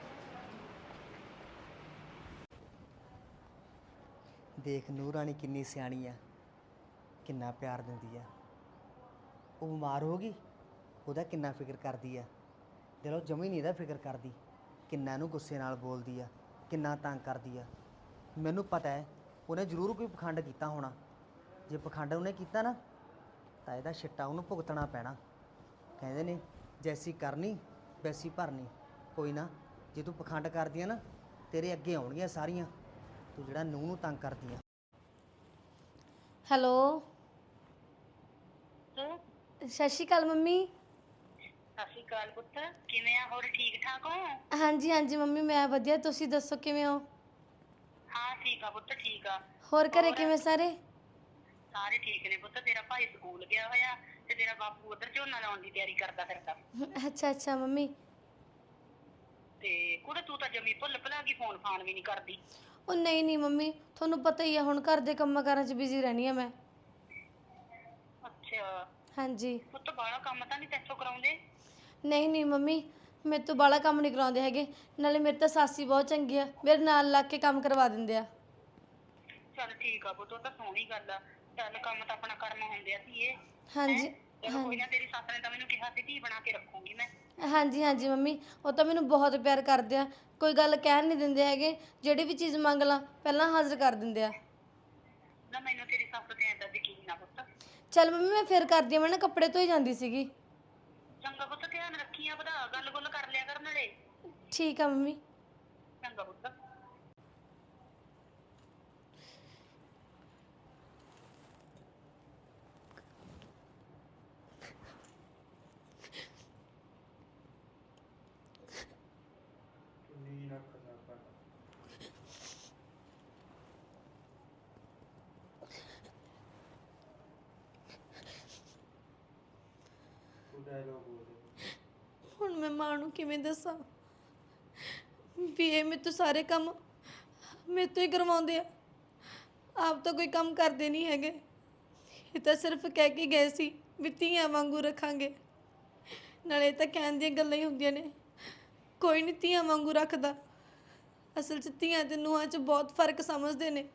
[SPEAKER 5] ਦੇਖ ਨੂਰ ਰਾਣੀ ਕਿੰਨੀ ਸਿਆਣੀ ਆ, ਕਿੰਨਾ ਪਿਆਰ ਦਿੰਦੀ ਆ। ਉਹ ਬਿਮਾਰ ਹੋ ਗਈ, ਉਹਦਾ ਕਿੰਨਾ ਫਿਕਰ ਕਰਦੀ ਆ। ਦਿਲੋਂ ਜਮੀ ਨਹੀਂ ਇਹਦਾ ਫਿਕਰ ਕਰਦੀ, ਕਿੰਨਾ ਇਹਨੂੰ ਗੁੱਸੇ ਨਾਲ ਬੋਲਦੀ ਆ, ਕਿੰਨਾ ਤੰਗ ਕਰਦੀ ਆ। ਮੈਨੂੰ ਪਤਾ ਹੈ ਉਹਨੇ ਜ਼ਰੂਰ ਕੋਈ ਪਖੰਡ ਕੀਤਾ ਹੋਣਾ। ਜੇ ਪਖੰਡ ਉਹਨੇ ਕੀਤਾ ਨਾ ਤਾਂ ਇਹਦਾ ਛਿੱਟਾ ਉਹਨੂੰ ਭੁਗਤਣਾ ਪੈਣਾ। ਕਹਿੰਦੇ ਨੇ ਜੈਸੀ ਕਰਨੀ ਵੈਸੀ ਭਰਨੀ। ਕੋਈ ਨਾ, ਜੇ ਤੂੰ ਪਖੰਡ ਕਰਦੀ ਆ ਨਾ, ਤੇਰੇ ਅੱਗੇ ਆਉਣਗੀਆਂ ਸਾਰੀਆਂ। ਤੂੰ ਜਿਹੜਾ ਨੂੰਹ ਨੂੰ ਤੰਗ ਕਰਦੀ ਆ।
[SPEAKER 3] ਹੈਲੋ ਸਤਿ ਸ਼੍ਰੀ ਅਕਾਲ ਮੰਮੀ।
[SPEAKER 6] ਸਤਿ ਸ਼੍ਰੀ ਅਕਾਲ ਪੁੱਤ, ਕਿਵੇਂ ਆ? ਹੋਰ ਠੀਕ ਠਾਕ ਹੋ?
[SPEAKER 3] ਹਾਂਜੀ ਹਾਂਜੀ ਮੰਮੀ ਮੈਂ ਵਧੀਆ, ਤੁਸੀਂ ਦੱਸੋ ਕਿਵੇਂ ਹੋ?
[SPEAKER 6] ਹਾਂ ਠੀਕ ਆ ਪੁੱਤ, ਠੀਕ ਆ।
[SPEAKER 3] ਹੋਰ ਘਰੇ ਕਿਵੇਂ ਸਾਰੇ?
[SPEAKER 6] ਸਾਰੇ ਠੀਕ ਨੇ ਪੁੱਤ। ਤੇਰਾ ਭਾਈ ਸਕੂਲ ਗਿਆ ਹੋਇਆ ਤੇ ਤੇਰਾ ਬਾਪੂ ਉਧਰ ਝੋਨਾ ਲਾਉਣ ਦੀ ਤਿਆਰੀ ਕਰਦਾ ਫਿਰਦਾ।
[SPEAKER 3] ਅੱਛਾ ਅੱਛਾ ਮੰਮੀ।
[SPEAKER 6] ਤੇ ਕੁੜੇ ਤੂੰ ਤਾਂ ਜਮੀ ਭੁੱਲ ਭੁਲਾ ਗਈ, ਫੋਨ ਫਾਨ ਵੀ ਨਹੀਂ ਕਰਦੀ।
[SPEAKER 3] ਉਹ ਨਹੀਂ ਨਹੀਂ ਮੰਮੀ, ਤੁਹਾਨੂੰ ਪਤਾ ਹੀ ਆ ਹੁਣ ਘਰ ਦੇ ਕੰਮਾਂ ਕਾਰਾਂ 'ਚ ਬਿਜ਼ੀ ਰਹਿਣੀ ਆ ਮੈਂ।
[SPEAKER 6] ਅੱਛਾ
[SPEAKER 3] ਹਾਂਜੀ
[SPEAKER 6] ਪੁੱਤ, ਬਾਹਲਾ ਕੰਮ ਤਾਂ ਨਹੀਂ ਤੈਥੋਂ ਕਰਾਉਂਦੇ?
[SPEAKER 3] ਨਹੀਂ ਨਹੀਂ ਮੰਮੀ, ਮੇਰੇ ਤੋਂ ਬਾਹਲਾ ਕੰਮ ਨਹੀਂ ਕਰਾਉਂਦੇ ਹੈਗੇ। ਨਾਲੇ ਮੇਰੇ ਤਾਂ ਸਾਸੀ ਬਹੁਤ ਚੰਗੀ ਆ, ਮੇਰੇ ਨਾਲ ਲੱਗ ਕੇ ਕੰਮ ਕਰਵਾ ਦਿੰਦੇ ਆ।
[SPEAKER 6] ਚੱਲ ਠੀਕ ਆ ਪੁੱਤ, ਉਹ ਤਾਂ ਸੋਹਣੀ ਗੱਲ ਆ। ਚੱਲ ਕੰਮ ਤਾਂ ਆਪਣਾ ਕਰਮ ਹੁੰਦੇ ਆ ਧੀਏ।
[SPEAKER 3] ਹਾਂਜੀ
[SPEAKER 6] ਚਲੋ ਕੋਈ ਨਾ, ਤੇਰੀ ਸੱਸ ਨੇ ਤਾਂ ਮੈਨੂੰ ਕਿਹਾ ਸੀ ਧੀ ਬਣਾ ਕੇ ਰੱਖੂੰਗੀ ਮੈਂ।
[SPEAKER 3] ਹਾਂਜੀ ਹਾਂਜੀ ਮੰਮੀ, ਉਹ ਤਾਂ ਮੈਨੂੰ ਬਹੁਤ ਪਿਆਰ ਕਰਦੇ ਆ, ਕੋਈ ਗੱਲ ਕਹਿਣ ਨਹੀਂ ਦਿੰਦੇ ਹੈਗੇ। ਜਿਹੜੀ ਵੀ ਚੀਜ਼ ਮੰਗ ਲਾਂ ਪਹਿਲਾਂ ਹਾਜ਼ਰ ਕਰ ਦਿੰਦੇ ਆ।
[SPEAKER 6] ਨਾ ਮੈਨੂੰ ਤੇਰੀ ਸੱਸ ਤੇ ਐਂਦਾ ਯਕੀਨ ਆ ਪੁੱਤ।
[SPEAKER 3] ਚੱਲ ਮੰਮੀ ਮੈਂ ਫਿਰ ਕਰਦੀ ਆ, ਮੈਂ ਨਾ ਕੱਪੜੇ ਧੋਈ ਜਾਂਦੀ ਸੀਗੀ।
[SPEAKER 6] ਚੰਗਾ ਪੁੱਤ, ਧਿਆਨ ਰੱਖੀ ਆ, ਵਧਾ ਗੱਲ ਗੁੱਲ ਕਰ ਲਿਆ ਕਰ ਨਾਲੇ।
[SPEAKER 3] ਠੀਕ ਆ ਮੰਮੀ।
[SPEAKER 6] ਚੰਗਾ ਪੁੱਤ।
[SPEAKER 3] ਹੁਣ ਮੈਂ ਮਾਂ ਨੂੰ ਕਿਵੇਂ ਦੱਸਾਂ ਵੀ ਇਹ ਮੇਰੇ ਤੋਂ ਸਾਰੇ ਕੰਮ ਮੇਰੇ ਤੋਂ ਹੀ ਕਰਵਾਉਂਦੇ ਆ, ਆਪ ਤਾਂ ਕੋਈ ਕੰਮ ਕਰਦੇ ਨਹੀਂ ਹੈਗੇ। ਇਹ ਤਾਂ ਸਿਰਫ ਕਹਿ ਕੇ ਗਏ ਸੀ ਵੀ ਧੀਆਂ ਵਾਂਗੂ ਰੱਖਾਂਗੇ, ਨਾਲੇ ਤਾਂ ਕਹਿਣ ਦੀਆਂ ਗੱਲਾਂ ਹੀ ਹੁੰਦੀਆਂ ਨੇ। ਕੋਈ ਨਹੀਂ ਧੀਆਂ ਵਾਂਗੂ ਰੱਖਦਾ, ਅਸਲ 'ਚ ਧੀਆਂ ਤੇ ਨੂੰਹਾਂ 'ਚ ਬਹੁਤ ਫਰਕ ਸਮਝਦੇ ਨੇ।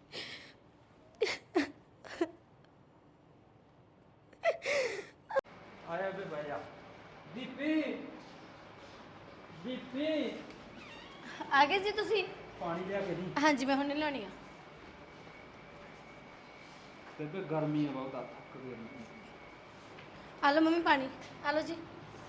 [SPEAKER 2] ਆਇਆ ਬੇ ਬਾਇਆ। ਦੀਪੀ ਦੀਪੀ
[SPEAKER 3] ਆ ਗਏ ਜੀ ਤੁਸੀਂ?
[SPEAKER 2] ਪਾਣੀ ਲਿਆ ਕੇ ਦੀ
[SPEAKER 3] ਹਾਂਜੀ ਮੈਂ ਹੁਣੇ ਲਿਆਉਣੀ ਆ।
[SPEAKER 2] ਬੇਬੇ ਗਰਮੀ ਆ ਬਹੁਤ, ਆ ਥੱਕ ਗਈ ਮੈਂ।
[SPEAKER 3] ਆ ਲਓ ਮੰਮੀ ਪਾਣੀ, ਆ ਲਓ ਜੀ।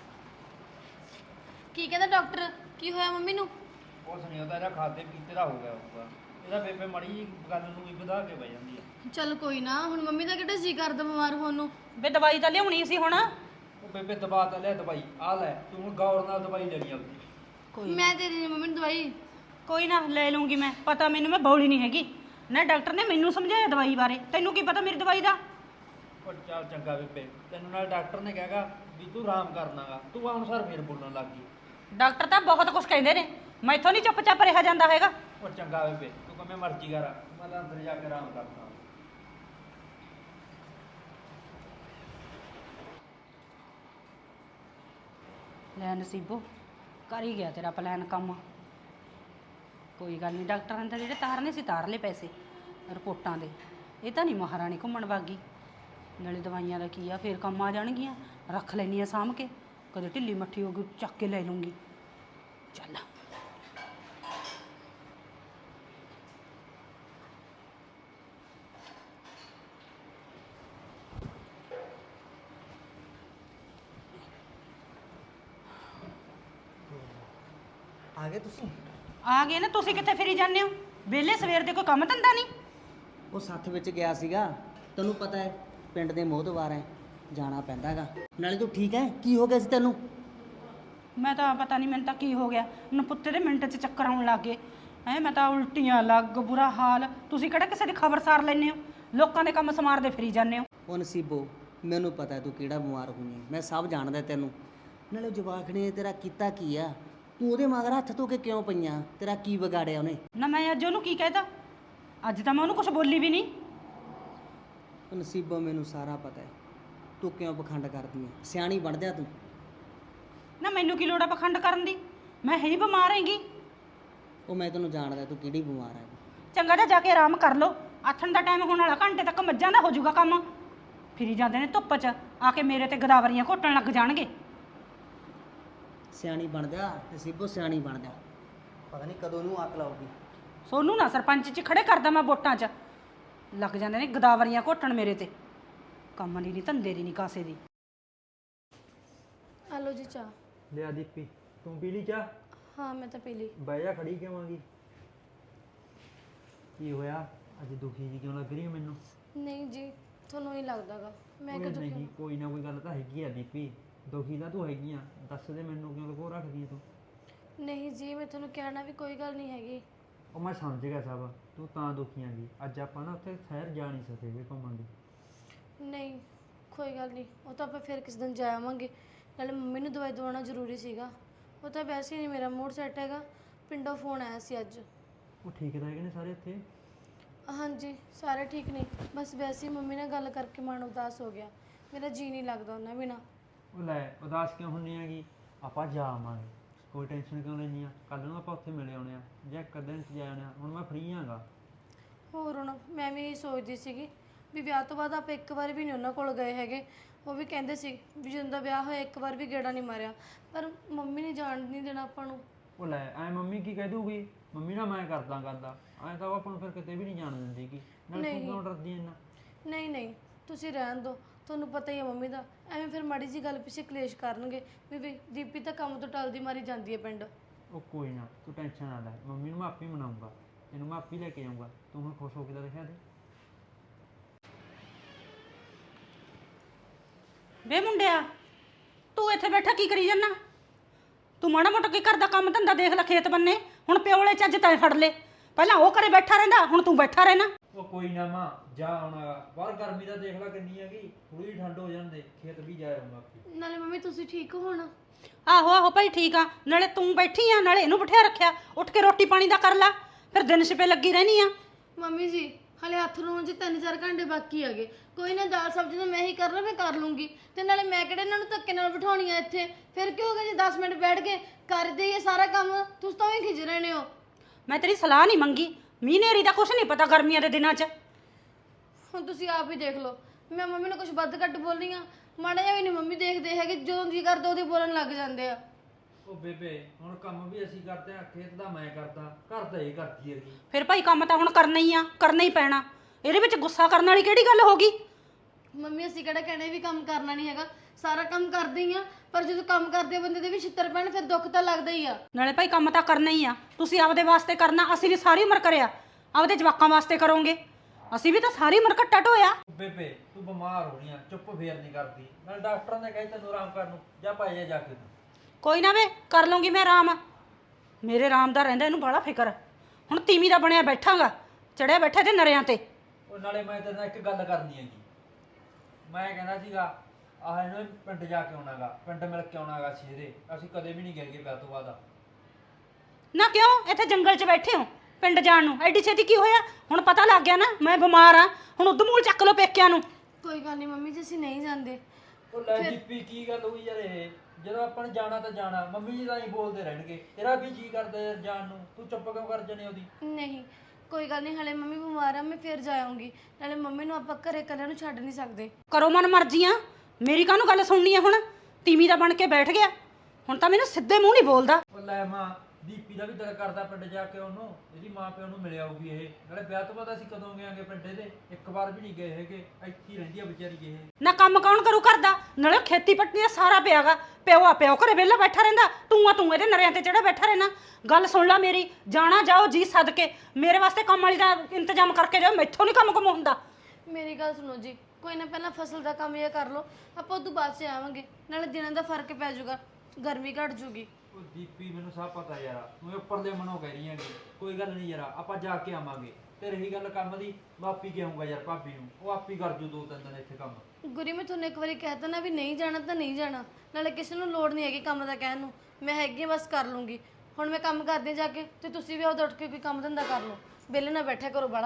[SPEAKER 3] ਕੀ ਕਹਿੰਦਾ ਡਾਕਟਰ? ਕੀ ਹੋਇਆ ਮੰਮੀ ਨੂੰ?
[SPEAKER 2] ਕੁਛ ਨਹੀਂ ਉਹਦਾ, ਇਹਦਾ ਖਾਦੇ ਪੀਤੇ ਦਾ ਹੋ ਗਿਆ ਹੋਊਗਾ। ਇਹਦਾ ਬੇਬੇ ਮਾੜੀ ਜਿਹੀ ਗੱਲ ਨੂੰ ਹੀ ਵਧਾ ਕੇ ਬਹਿ ਜਾਂਦੀ ਆ।
[SPEAKER 3] ਚੱਲ ਕੋਈ ਨਾ, ਹੁਣ ਮੰਮੀ ਦਾ ਕਿਹੜਾ ਜੀ ਕਰਦਾ ਬਿਮਾਰ ਹੋਣ ਨੂੰ।
[SPEAKER 4] ਵੇ ਦਵਾਈ ਤਾਂ ਲਿਆਉਣੀ ਸੀ ਹੁਣ।
[SPEAKER 2] ਉਹ ਬੇਬੇ ਦਬਾ ਤਾਂ ਲਿਆ ਦਵਾਈ, ਆ ਲੈ ਤੂੰ ਹੁਣ ਗੌਰ ਨਾਲ ਦਵਾਈ ਲੈਣੀ ਆਪਦੀ।
[SPEAKER 4] ਕੋਈ
[SPEAKER 3] ਮੈਂ ਦੇ ਦੇਣੀ ਮੰਮੀ ਨੂੰ ਦਵਾਈ।
[SPEAKER 4] ਕੋਈ ਨਾ ਲੈ ਲੂੰਗੀ ਮੈਂ, ਪਤਾ ਮੈਨੂੰ, ਮੈਂ ਬੌਲੀ ਨਹੀਂ ਹੈਗੀ ਨਾ। ਡਾਕਟਰ ਨੇ ਮੈਨੂੰ ਸਮਝਾਇਆ ਦਵਾਈ ਬਾਰੇ, ਤੈਨੂੰ ਕੀ ਪਤਾ ਮੇਰੀ ਦਵਾਈ ਦਾ?
[SPEAKER 2] ਉਹ ਚੱਲ ਚੰਗਾ ਬੇਬੇ, ਤੈਨੂੰ ਨਾਲ ਡਾਕਟਰ ਨੇ ਕਿਹਾਗਾ ਵੀ ਤੂੰ ਆਰਾਮ ਕਰਨਾਗਾ, ਤੂੰ ਅਨੁਸਾਰ ਫੇਰ ਬੋਲਣ ਲੱਗ ਗਈ।
[SPEAKER 4] ਡਾਕਟਰ ਤਾਂ ਬਹੁਤ ਕੁਝ ਕਹਿੰਦੇ ਨੇ, ਮੈਥੋਂ ਨਹੀਂ ਚੁੱਪ-ਚਾਪ ਰਿਹਾ ਜਾਂਦਾ ਹੈਗਾ।
[SPEAKER 2] ਉਹ ਚੰਗਾ ਬੇਬੇ, ਤੂੰ ਕਿਵੇਂ ਮਰਜ਼ੀ ਕਰ, ਮੈਂ ਤਾਂ ਅੰਦਰ ਜਾ ਕੇ ਆਰਾਮ ਕਰਦਾ।
[SPEAKER 4] ਲੈ ਨਸੀਬੋ, ਕਰ ਹੀ ਗਿਆ ਤੇਰਾ ਪਲਾਨ ਕੰਮ। ਕੋਈ ਗੱਲ ਨਹੀਂ, ਡਾਕਟਰਾਂ ਨੇ ਤਾਂ ਜਿਹੜੇ ਤਾਰਨੇ ਸੀ ਤਾਰ ਲਏ ਪੈਸੇ ਰਿਪੋਰਟਾਂ ਦੇ। ਇਹ ਤਾਂ ਨਹੀਂ ਮਹਾਰਾਣੀ ਘੁੰਮਣ ਵਾਗੀ। ਨਾਲੇ ਦਵਾਈਆਂ ਦਾ ਕੀ ਆ, ਫੇਰ ਕੰਮ ਆ ਜਾਣਗੀਆਂ। ਰੱਖ ਲੈਣੀ ਆ ਸਾਂਭ ਕੇ, ਕਦੇ ਢਿੱਲੀ ਮੱਠੀ ਹੋ ਗਈ ਚੱਕ ਕੇ ਲੈ ਲੂੰਗੀ। ਚੱਲ
[SPEAKER 5] ਆ ਗਏ ਤੁਸੀਂ?
[SPEAKER 4] ਆ ਗਏ ਨਾ। ਤੁਸੀਂ ਕਿੱਥੇ ਫਿਰੀ ਜਾਂਦੇ ਹੋ ਵਿਹਲੇ? ਸਵੇਰ ਦੇ ਕੋਈ ਕੰਮ ਧੰਦਾ ਨਹੀਂ?
[SPEAKER 5] ਉਹ ਸੱਥ ਵਿੱਚ ਗਿਆ ਸੀਗਾ, ਤੈਨੂੰ ਪਤਾ ਹੈ ਪਿੰਡ ਦੇ ਮੋਹਤਵਾਰ ਹੈ, ਜਾਣਾ ਪੈਂਦਾਗਾ। ਨਾਲੇ ਤੂੰ ਠੀਕ ਹੈ? ਕੀ ਹੋ ਗਿਆ ਸੀ ਤੈਨੂੰ?
[SPEAKER 4] ਮੈਂ ਤਾਂ ਪਤਾ ਨਹੀਂ, ਮੈਨੂੰ ਤਾਂ ਕੀ ਹੋ ਗਿਆ, ਨਪੁੱਤੇ ਦੇ ਮਿੰਟ 'ਚ ਚੱਕਰ ਆਉਣ ਲੱਗ ਗਏ ਹੈ। ਮੈਂ ਤਾਂ ਉਲਟੀਆਂ ਲੱਗ, ਬੁਰਾ ਹਾਲ। ਤੁਸੀਂ ਕਿਹੜਾ ਕਿਸੇ ਦੀ ਖਬਰ ਸਾਰ ਲੈਂਦੇ ਹੋ? ਲੋਕਾਂ ਦੇ ਕੰਮ ਸਮਾਰਦੇ ਫਿਰੀ ਜਾਂਦੇ ਹੋ।
[SPEAKER 5] ਉਹ ਨਸੀਬੋ, ਮੈਨੂੰ ਪਤਾ ਤੂੰ ਕਿਹੜਾ ਬਿਮਾਰ ਹੋਈ ਹੈ, ਮੈਂ ਸਭ ਜਾਣਦਾ ਤੈਨੂੰ। ਨਾਲੇ ਜਵਾਕ ਨੇ ਤੇਰਾ ਕੀਤਾ ਕੀ ਆ? ਤੂੰ ਉਹਦੇ ਮਗਰ ਹੱਥ ਧੋ ਕੇ ਕਿਉਂ ਪਈਆਂ? ਤੇਰਾ ਕੀ ਵਿਗਾੜਿਆ ਉਹਨੇ?
[SPEAKER 4] ਨਾ ਮੈਂ ਅੱਜ ਉਹਨੂੰ ਕੀ ਕਹਿਤਾ? ਅੱਜ ਤਾਂ ਮੈਂ ਉਹਨੂੰ ਕੁਝ ਬੋਲੀ ਵੀ ਨਹੀਂ।
[SPEAKER 5] ਉਹ ਨਸੀਬੋ, ਮੈਨੂੰ ਸਾਰਾ ਪਤਾ ਹੈ ਤੂੰ ਕਿਉਂ ਪਖੰਡ ਕਰਦੀ ਹੈ। ਸਿਆਣੀ ਬਣ ਜਾ ਤੂੰ।
[SPEAKER 4] ਨਾ ਮੈਨੂੰ ਕੀ ਲੋੜ ਆ ਪਖੰਡ ਕਰਨ ਦੀ? ਮੈਂ ਹੈ ਹੀ ਬਿਮਾਰ ਹੈਗੀ।
[SPEAKER 5] ਉਹ ਮੈਂ ਤੈਨੂੰ ਜਾਣਦਾ ਤੂੰ ਕਿਹੜੀ ਬਿਮਾਰ ਹੈ।
[SPEAKER 4] ਚੰਗਾ ਤਾਂ ਜਾ ਕੇ ਆਰਾਮ ਕਰ ਲਓ। ਆਥਣ ਦਾ ਟਾਈਮ ਹੋਣ ਵਾਲਾ, ਘੰਟੇ ਤੱਕ ਮੱਝਾਂ ਦਾ ਹੋ ਜਾਊਗਾ ਕੰਮ। ਫਿਰੀ ਜਾਂਦੇ ਨੇ ਧੁੱਪ 'ਚ, ਆ ਕੇ ਮੇਰੇ ਤੇ ਗਦਾਵਰੀਆਂ ਘੋਟਣ ਲੱਗ ਜਾਣਗੇ।
[SPEAKER 5] ਸਿਆਣੀ ਬਣ ਜਾ ਨਸੀਬੋ, ਸਿਆਣੀ ਬਣ ਜਾ। ਪਤਾ ਨਹੀਂ ਕਦੋਂ ਨੂੰ ਅੱਗ ਲਾਉਗੀ।
[SPEAKER 4] ਸੋਨੂੰ ਨਾ ਸਰਪੰਚ 'ਚ ਖੜੇ ਕਰਦਾ ਮੈਂ ਵੋਟਾਂ 'ਚ। ਲੱਗ ਜਾਂਦੇ ਨੇ ਗਦਾਵਰੀਆਂ ਘੋਟਣ ਮੇਰੇ ਤੇ। ਕੰਮ ਦੀ ਨਹੀਂ, ਧੰਦੇ ਦੀ ਨਹੀਂ, ਕਾਸੇ ਦੀ।
[SPEAKER 3] ਆ ਲਓ ਜੀ ਚਾਹ।
[SPEAKER 2] ਲਿਆ ਦੀਪੀ, ਤੂੰ ਪੀ ਲਈ ਚਾਹ?
[SPEAKER 3] ਹਾਂ ਮੈਂ ਤਾਂ ਪੀ ਲਈ।
[SPEAKER 2] ਬਹਿ ਜਾ, ਖੜੀ ਕਿਉਂ ਆਂਗੀ? ਕੀ ਹੋਇਆ ਅੱਜ, ਦੁਖੀ ਜੀ ਕਿਉਂ ਲੱਗ ਰਹੀ ਹੈ ਮੈਨੂੰ?
[SPEAKER 3] ਨਹੀਂ ਜੀ, ਤੁਹਾਨੂੰ ਹੀ ਲੱਗਦਾਗਾ। ਮੈਂ
[SPEAKER 2] ਓਏ
[SPEAKER 3] ਕਦੋਂ
[SPEAKER 2] ਨਹੀਂ,
[SPEAKER 3] ਕਿਉਂ?
[SPEAKER 2] ਕੋਈ ਨਾ ਕੋਈ ਗੱਲ ਤਾਂ ਹੈਗੀ ਆ ਦੀਪੀ। ਦੁਖੀ ਤਾਂ ਤੂੰ ਹੈਗੀ ਆ, ਦੱਸ ਦੇ ਮੈਨੂੰ, ਕਿਉਂ ਲੁਕੋ ਰੱਖਦੀ ਆ ਤੂੰ?
[SPEAKER 3] ਨਹੀਂ ਜੀ, ਮੈਂ ਤੁਹਾਨੂੰ ਕਹਿਣਾ ਵੀ ਕੋਈ ਗੱਲ ਨਹੀਂ ਹੈਗੀ।
[SPEAKER 2] ਉਹ ਮੈਂ ਸਮਝ ਗਿਆ ਸਭ, ਤੂੰ ਤਾਂ ਦੁਖੀ ਆਂਗੀ। ਅੱਜ ਆਪਾਂ ਨਾ ਉੱਥੇ ਸ਼ਹਿਰ ਜਾ ਨਹੀਂ ਸਕੇਗੇ ਘੁੰਮਣ ਦੀ।
[SPEAKER 3] ਨਹੀਂ ਕੋਈ ਗੱਲ ਨਹੀਂ, ਉਹ ਤਾਂ ਆਪਾਂ ਫਿਰ ਕਿਸ ਦਿਨ ਜਾ ਆਵਾਂਗੇ। ਨਾਲੇ ਮੰਮੀ ਨੂੰ ਦਵਾਈ ਦਵਾਉਣਾ ਜ਼ਰੂਰੀ ਸੀਗਾ। ਉਹ ਤਾਂ ਵੈਸੇ ਹੀ ਨਹੀਂ ਮੇਰਾ ਮੂਡ ਸੈੱਟ ਹੈਗਾ। ਪਿੰਡੋਂ ਫੋਨ ਆਇਆ ਸੀ ਅੱਜ।
[SPEAKER 2] ਉਹ ਠੀਕ ਤਾਂ ਹੈਗੇ ਨੇ ਸਾਰੇ ਉੱਥੇ?
[SPEAKER 3] ਹਾਂਜੀ ਸਾਰੇ ਠੀਕ ਨੇ, ਬਸ ਵੈਸੇ ਹੀ ਮੰਮੀ ਨਾਲ ਗੱਲ ਕਰਕੇ ਮਨ ਉਦਾਸ ਹੋ ਗਿਆ। ਮੇਰਾ ਜੀ ਨਹੀਂ ਲੱਗਦਾ ਉਹਨਾਂ ਬਿਨਾਂ।
[SPEAKER 2] ਉਹ ਲੈ, ਉਦਾਸ ਕਿਉਂ ਹੁੰਨੀ ਹੈਗੀ? ਆਪਾਂ ਜਾ ਆਵਾਂਗੇ, ਕੋਈ ਟੈਨਸ਼ਨ ਕਿਉਂ ਲੈਣੀ ਆ? ਕੱਲ ਨੂੰ ਆਪਾਂ ਉੱਥੇ ਮਿਲ ਆਉਣੇ ਆ, ਜਾਂ ਇੱਕ ਦਿਨ 'ਚ ਜਾ ਆਉਣੇ ਆ। ਹੁਣ ਮੈਂ ਫ੍ਰੀ ਆਂਗਾ।
[SPEAKER 3] ਹੋਰ ਹੁਣ ਮੈਂ ਵੀ ਇਹੀ ਸੋਚਦੀ ਸੀਗੀ ਵੀ ਵਿਆਹ ਤੋਂ ਬਾਅਦ ਆਪਾਂ ਇੱਕ ਵਾਰ ਵੀ ਨਹੀਂ ਉਹਨਾਂ ਕੋਲ ਗਏ ਹੈਗੇ। ਉਹ ਵੀ ਕਹਿੰਦੇ ਸੀ ਵੀ ਜਦੋਂ ਦਾ ਵਿਆਹ ਹੋਇਆ ਇੱਕ ਵਾਰ ਵੀ ਗੇੜਾ ਨਹੀਂ ਮਾਰਿਆ, ਪਰ ਮੰਮੀ ਨੇ ਜਾਣ ਨਹੀਂ ਦੇਣਾ ਆਪਾਂ ਨੂੰ।
[SPEAKER 2] ਉਹ ਲੈ, ਐ ਮੰਮੀ ਕੀ ਕਹਿ ਦੂਗੀ? ਮੰਮੀ ਨਾਲ ਮੈਂ ਕਰਦਾ ਕਰਦਾ ਐਂ ਤਾਂ ਉਹ ਆਪਾਂ ਨੂੰ ਫਿਰ ਕਿਤੇ ਵੀ ਨਹੀਂ ਜਾਣ ਦਿੰਦੀ ਗੀ। ਨਾਲ ਤੂੰ
[SPEAKER 3] ਨਹੀਂ।
[SPEAKER 2] ਕਿਉਂ ਡਰਦੀ ਇੰਨਾ?
[SPEAKER 3] ਨਹੀਂ ਨਹੀਂ ਤੁਸੀਂ ਰਹਿਣ ਦਿਓ, ਤੁਹਾਨੂੰ ਪਤਾ ਹੀ ਹੈ ਮੰਮੀ ਦਾ। ਐਵੇਂ ਫਿਰ ਮਾੜੀ ਜੀ ਗੱਲ ਪਿੱਛੇ ਕਲੇਸ਼ ਕਰਨਗੇ ਵੀ ਵੀ ਦੀਪੀ ਤਾਂ ਕੰਮ ਤੋਂ ਟਲਦੀ ਮਾਰੀ ਜਾਂਦੀ ਹੈ ਪਿੰਡ।
[SPEAKER 2] ਉਹ ਕੋਈ ਨਾ, ਤੂੰ ਟੈਨਸ਼ਨ ਨਾ ਲੈ, ਮੰਮੀ ਨੂੰ ਮੈਂ ਆਪੇ ਮਨਾਊਂਗਾ, ਤੈਨੂੰ ਮੈਂ ਆਪੇ ਲੈ ਕੇ ਜਾਊਂਗਾ। ਤੂੰ ਹੁਣ ਖੁਸ਼ ਹੋ ਕੇ ਤਾਂ ਦੇਖਿਆ ਦੇ।
[SPEAKER 4] ਵੇ ਮੁੰਡਿਆ, ਤੂੰ ਇੱਥੇ ਬੈਠਾ ਕੀ ਕਰੀ ਜਾਂਦਾ? ਤੂੰ ਮਾੜਾ ਮੋਟਾ ਕੀ ਕਰਦਾ ਕੰਮ ਧੰਦਾ ਦੇਖ ਲੈ ਖੇਤ ਬੰਨੇ। ਹੁਣ ਪਿਓਲੇ ਚੱਜ ਤੈਂ ਫੜ ਲੈ। ਪਹਿਲਾਂ ਉਹ ਘਰੇ ਬੈਠਾ ਰਹਿੰਦਾ, ਹੁਣ ਤੂੰ ਬੈਠਾ ਰਹਿਣਾ।
[SPEAKER 2] ਉਹ ਕੋਈ ਨਾ ਮਾਂ, ਜਾ ਆਉਣਾ। ਬਾਹਰ ਗਰਮੀ ਦਾ ਦੇਖ ਲੈ ਕਿੰਨੀ ਹੈਗੀ, ਥੋੜੀ ਜਿਹੀ ਠੰਡ ਹੋ ਜਾਂਦੇ, ਖੇਤ ਵੀ ਜਾ ਆਉਂਗਾ ਆਪੇ।
[SPEAKER 3] ਨਾਲੇ ਮੰਮੀ ਤੁਸੀਂ ਠੀਕ ਹੋ ਹੁਣ?
[SPEAKER 4] ਆਹੋ ਆਹੋ ਭਾਈ ਠੀਕ ਆ। ਨਾਲੇ ਤੂੰ ਬੈਠੀ ਆ, ਨਾਲੇ ਇਹਨੂੰ ਬਿਠਿਆ ਰੱਖਿਆ। ਉੱਠ ਕੇ ਰੋਟੀ ਪਾਣੀ ਦਾ ਕਰ ਲੈ, ਫਿਰ ਦਿਨ ਛਿਪੇ ਲੱਗੀ ਰਹਿਣੀ ਆ।
[SPEAKER 3] ਮੰਮੀ ਜੀ ਹਲੇ ਹੱਥ ਨੂੰ ਜੀ ਤਿੰਨ ਚਾਰ ਘੰਟੇ ਬਾਕੀ ਹੈਗੇ। ਕੋਈ ਨਾ, ਦਾਲ ਸਬਜ਼ੀ ਤਾਂ ਮੈਂ ਹੀ ਕਰਨਾ, ਮੈਂ ਕਰ ਲੂੰਗੀ। ਤੇ ਨਾਲੇ ਮੈਂ ਕਿਹੜੇ ਇਹਨਾਂ ਨੂੰ ਧੱਕੇ ਨਾਲ ਬਿਠਾਉਣੀਆਂ ਇੱਥੇ। ਫਿਰ ਕੀ ਹੋ ਗਿਆ ਜੇ ਦਸ ਮਿੰਟ ਬੈਠ ਕੇ ਕਰਦੇ ਇਹ ਸਾਰਾ ਕੰਮ? ਤੁਸੀਂ ਤਾਂ ਵੀ ਖਿਜ ਰਹੇ ਹੋ।
[SPEAKER 4] ਮੈਂ ਤੇਰੀ ਸਲਾਹ ਨਹੀਂ ਮੰਗੀ। ਮੀਂਹ ਨੇਰੀ ਦਾ ਕੁਛ ਨਹੀਂ ਪਤਾ ਗਰਮੀਆਂ ਦੇ ਦਿਨਾਂ 'ਚ।
[SPEAKER 3] ਹੁਣ ਤੁਸੀਂ ਆਪ ਹੀ ਦੇਖ ਲਓ, ਮੈਂ ਮੰਮੀ ਨੂੰ ਕੁਝ ਵੱਧ ਘੱਟ ਬੋਲੀ ਆ? ਮਾੜਾ ਜਿਹਾ ਵੀ ਨਹੀਂ ਮੰਮੀ ਦੇਖਦੇ ਹੈਗੇ, ਜਦੋਂ ਜੀ ਕਰਦਾ ਉਹਦੀ ਬੋਲਣ ਲੱਗ ਜਾਂਦੇ ਆ।
[SPEAKER 2] ਉਹ ਬੇਬੇ ਹੁਣ ਕੰਮ ਵੀ ਅਸੀਂ ਕਰਦੇ ਆ, ਖੇਤ ਦਾ ਮੈਂ ਕਰਦਾ, ਘਰ ਦਾ ਇਹ ਕਰਦੀ ਹੈਗੀ।
[SPEAKER 4] ਫਿਰ ਭਾਈ ਕੰਮ ਤਾਂ ਹੁਣ ਕਰਨਾ ਹੀ ਆ, ਕਰਨਾ ਹੀ ਪੈਣਾ। ਇਹਦੇ ਵਿੱਚ ਗੁੱਸਾ ਕਰਨ ਵਾਲੀ ਕਿਹੜੀ ਗੱਲ ਹੋ ਗਈ?
[SPEAKER 3] ਮੰਮੀ ਅਸੀਂ ਕਿਹੜਾ ਕਹਿਣੇ ਵੀ ਕੰਮ ਕਰਨਾ ਨਹੀਂ ਹੈਗਾ, ਸਾਰਾ ਕੰਮ ਕਰਦੇ ਹੀ ਆ, ਪਰ ਜਦੋਂ ਕੰਮ ਕਰਦੇ ਬੰਦੇ ਦੇ ਵੀ ਛਿੱਤਰ ਪੈਣ ਫਿਰ ਦੁੱਖ ਤਾਂ ਲੱਗਦਾ ਹੀ ਆ।
[SPEAKER 4] ਨਾਲੇ ਭਾਈ ਕੰਮ ਤਾਂ ਕਰਨਾ ਹੀ ਆ, ਤੁਸੀਂ ਆਪਦੇ ਵਾਸਤੇ ਕਰਨਾ, ਅਸੀਂ ਵੀ ਸਾਰੀ ਉਮਰ ਕਰਿਆ, ਆਪਦੇ ਜਵਾਕਾਂ ਵਾਸਤੇ ਕਰੋਗੇ। ਅਸੀਂ ਵੀ ਤਾਂ ਸਾਰੀ ਉਮਰ ਘੱਟਾ ਢੋਇਆ।
[SPEAKER 2] ਬੇਬੇ ਤੂੰ ਬਿਮਾਰ ਹੋ ਰਹੀ ਆ, ਚੁੱਪ ਫੇਰ ਨਹੀਂ ਕਰਦੀ। ਨਾਲ ਡਾਕਟਰ ਨੇ ਕਹੀ ਤੈਨੂੰ ਆਰਾਮ ਕਰਨ ਨੂੰ, ਜਾ ਭਾਈ ਜਾ ਜਾ ਕੇ ਤੂੰ।
[SPEAKER 4] ਕੋਈ ਨਾ ਵੇ, ਕਰ ਲੂੰਗੀ ਮੈਂ ਆਰਾਮ। ਮੇਰੇ ਆਰਾਮ ਦਾ ਰਹਿੰਦਾ ਇਹਨੂੰ ਬੜਾ ਫਿਕਰ। ਹੁਣ ਤੀਵੀਂ ਦਾ ਬਣਿਆ ਬੈਠਾਂਗਾ, ਚੜਿਆ ਬੈਠਾ ਤੇ ਨਰਿਆਂ ਤੇ।
[SPEAKER 2] ਉਹ ਨਾਲੇ ਮੈਂ ਤੇਰੇ ਨਾਲ ਇੱਕ ਗੱਲ ਕਰਨੀ ਹੈਗੀ। ਮੈਂ ਕਹਿੰਦਾ ਸੀਗਾ ਆਹ ਇਹਨੂੰ ਪਿੰਡ ਜਾ ਕੇ ਆਉਣਾਗਾ, ਪਿੰਡ ਮਿਲ ਕੇ ਆਉਣਾਗਾ ਸੀ ਇਹਦੇ। ਅਸੀਂ ਕਦੇ ਵੀ ਨਹੀਂ ਗਏ ਵਿਆਹ ਤੋਂ ਬਾਅਦ।
[SPEAKER 4] ਨਾ ਕਿਉਂ, ਇੱਥੇ ਜੰਗਲ 'ਚ ਬੈਠੇ ਹੋ, ਪਿੰਡ ਜਾਣ ਨੂੰ ਐਡੀ ਛੇਤੀ ਕੀ ਹੋਇਆ? ਹੁਣ ਪਤਾ ਲੱਗ ਗਿਆ ਨਾ ਮੈਂ ਬਿਮਾਰ ਆ, ਹੁਣ ਉਦਮੂਲ ਚੱਕ ਲਓ ਪੇਕਿਆਂ ਨੂੰ।
[SPEAKER 3] ਕੋਈ ਗੱਲ ਨਹੀਂ ਮੰਮੀ ਜੀ, ਅਸੀਂ ਨਹੀਂ ਜਾਂਦੇ।
[SPEAKER 2] ਉਹ ਲੈ ਦੀਪੀ ਕੀ ਗੱਲ ਹੋਈ ਯਾਰ, ਇਹ ਜਦੋਂ ਆਪਾਂ ਨੇ ਜਾਣਾ ਤਾਂ ਜਾਣਾ, ਮੰਮੀ ਜੀ ਤਾਂ ਹੀ ਬੋਲਦੇ ਰਹਿਣਗੇ। ਤੇਰਾ ਵੀ ਜੀ ਕਰਦਾ ਯਾਰ ਜਾਣ ਨੂੰ, ਤੂੰ ਚੁੱਪ ਕਿਉਂ ਕਰ ਜਣੇ ਉਹਦੀ?
[SPEAKER 3] ਨਹੀਂ ਕੋਈ ਗੱਲ ਨਹੀਂ, ਹਲੇ ਮੰਮੀ ਬਿਮਾਰ ਆ, ਮੈਂ ਫਿਰ ਜਾ ਆਉਂਗੀ। ਨਾਲੇ ਮੰਮੀ ਨੂੰ ਆਪਾਂ ਘਰੇ ਇਕੱਲਿਆਂ ਨੂੰ ਛੱਡ ਨਹੀਂ ਸਕਦੇ।
[SPEAKER 4] ਕਰੋ ਮਨ ਮਰਜ਼ੀਆਂ, ਮੇਰੀ ਕਾਹਨੂੰ ਗੱਲ ਸੁਣਨੀ ਆ? ਹੁਣ ਤੀਵੀਂ ਦਾ ਬਣ ਕੇ ਬੈਠ ਗਿਆ, ਹੁਣ ਤਾਂ ਮੈਨੂੰ ਸਿੱਧੇ ਮੂੰਹ ਨਹੀਂ ਬੋਲਦਾ।
[SPEAKER 2] ਉਹ ਲੈ ਮਾਂ, ਦੀਪੀ ਦਾ ਵੀ ਦਿਲ ਕਰਦਾ ਪਿੰਡ ਜਾ ਕੇ ਉਹਨੂੰ, ਇਹਦੀ ਮਾਂ ਪਿਓ ਨੂੰ ਮਿਲਿਆ ਆਊਗੀ ਇਹ। ਨਾਲੇ ਵਿਆਹ ਤੋਂ ਬਾਅਦ ਅਸੀਂ ਕਦੋਂ ਗਏਾਂਗੇ ਪਿੰਡ ਇਹਦੇ? ਇੱਕ ਵਾਰ ਵੀ ਨਹੀਂ ਗਏ ਹੈਗੇ, ਇੱਥੇ ਹੀ ਰਹਿੰਦੀ ਆ ਵਿਚਾਰੀ ਇਹ।
[SPEAKER 4] ਨਾ ਕੰਮ ਕੌਣ ਕਰੂ ਕਰਦਾ? ਨਾਲੇ ਖੇਤੀ ਪੱਟੀ ਦਾ ਸਾਰਾ ਪਿਆਗਾ, ਪਿਓ ਆ ਪਿਓ ਘਰੇ ਵਿਹਲਾ ਬੈਠਾ ਰਹਿੰਦਾ, ਤੂੰ ਆ ਤੂੰ ਇਹਦੇ ਨਰਿਆਂ ਤੇ ਚੜਾ ਬੈਠਾ ਰਹਿਣਾ। ਗੱਲ ਸੁਣ ਲੈ ਮੇਰੀ, ਜਾਣਾ ਜਾਓ ਜੀ ਸੱਦ ਕੇ, ਮੇਰੇ ਵਾਸਤੇ ਕੰਮ ਵਾਲੀ ਦਾ ਇੰਤਜ਼ਾਮ ਕਰਕੇ ਜਾਓ, ਮੈਥੋਂ ਨਹੀਂ ਕੰਮ ਕੁਮ ਹੁੰਦਾ।
[SPEAKER 3] ਮੇਰੀ ਗੱਲ ਸੁਣੋ ਜੀ, ਕੋਈ ਨਾ ਪਹਿਲਾਂ ਫਸਲ ਦਾ ਕੰਮ ਇਹ ਕਰ ਲਓ, ਆਪਾਂ ਉਦੋਂ ਬਾਅਦ 'ਚ ਆਵਾਂਗੇ। ਨਾਲੇ ਦਿਨਾਂ ਦਾ ਫਰਕ ਪੈ ਜਾਊਗਾ, ਗਰਮੀ ਘਟ ਜੂਗੀ।
[SPEAKER 2] ਉਹ ਦੀਪੀ ਮੈਨੂੰ ਸਭ ਪਤਾ ਯਾਰ, ਤੂੰ ਉੱਪਰਲੇ ਮਨੋਂ ਕਹਿ ਰਹੀ ਹੈਗੀ। ਕੋਈ ਗੱਲ ਨਹੀਂ ਯਾਰ, ਆਪਾਂ ਜਾ ਕੇ ਆਵਾਂਗੇ। ਤੇ ਰਹੀ ਗੱਲ ਕੰਮ ਦੀ, ਮੈਂ ਆਪੀ ਕਹੂੰਗਾ ਯਾਰ ਭਾਬੀ ਨੂੰ, ਉਹ ਆਪੀ ਕਰ ਜੂ ਦੋ ਤਿੰਨ ਦਿਨ ਇੱਥੇ ਕੰਮ।
[SPEAKER 3] ਗੁਰੀ ਮੈਂ ਤੁਹਾਨੂੰ ਇੱਕ ਵਾਰੀ ਕਹਿਤਾ ਨਾ ਵੀ ਨਹੀਂ ਜਾਣਾ ਤਾਂ ਨਹੀਂ ਜਾਣਾ, ਨਾਲੇ ਕਿਸੇ ਨੂੰ ਲੋੜ ਨਹੀਂ ਹੈਗੀ ਕੰਮ ਦਾ ਕਹਿਣ ਨੂੰ, ਮੈਂ ਹੈਗੀ ਬਸ ਕਰ ਲੂੰਗੀ। ਹੁਣ ਮੈਂ ਕੰਮ ਕਰਦੀ ਜਾ ਕੇ, ਤੇ ਤੁਸੀਂ ਵੀ ਉਦੋਂ ਉੱਠ ਕੇ ਕੋਈ ਕੰਮ ਧੰਦਾ ਕਰ ਲਓ, ਵਿਹਲੇ ਨਾ ਬੈਠਿਆ ਕਰੋ ਬਾਲਾ।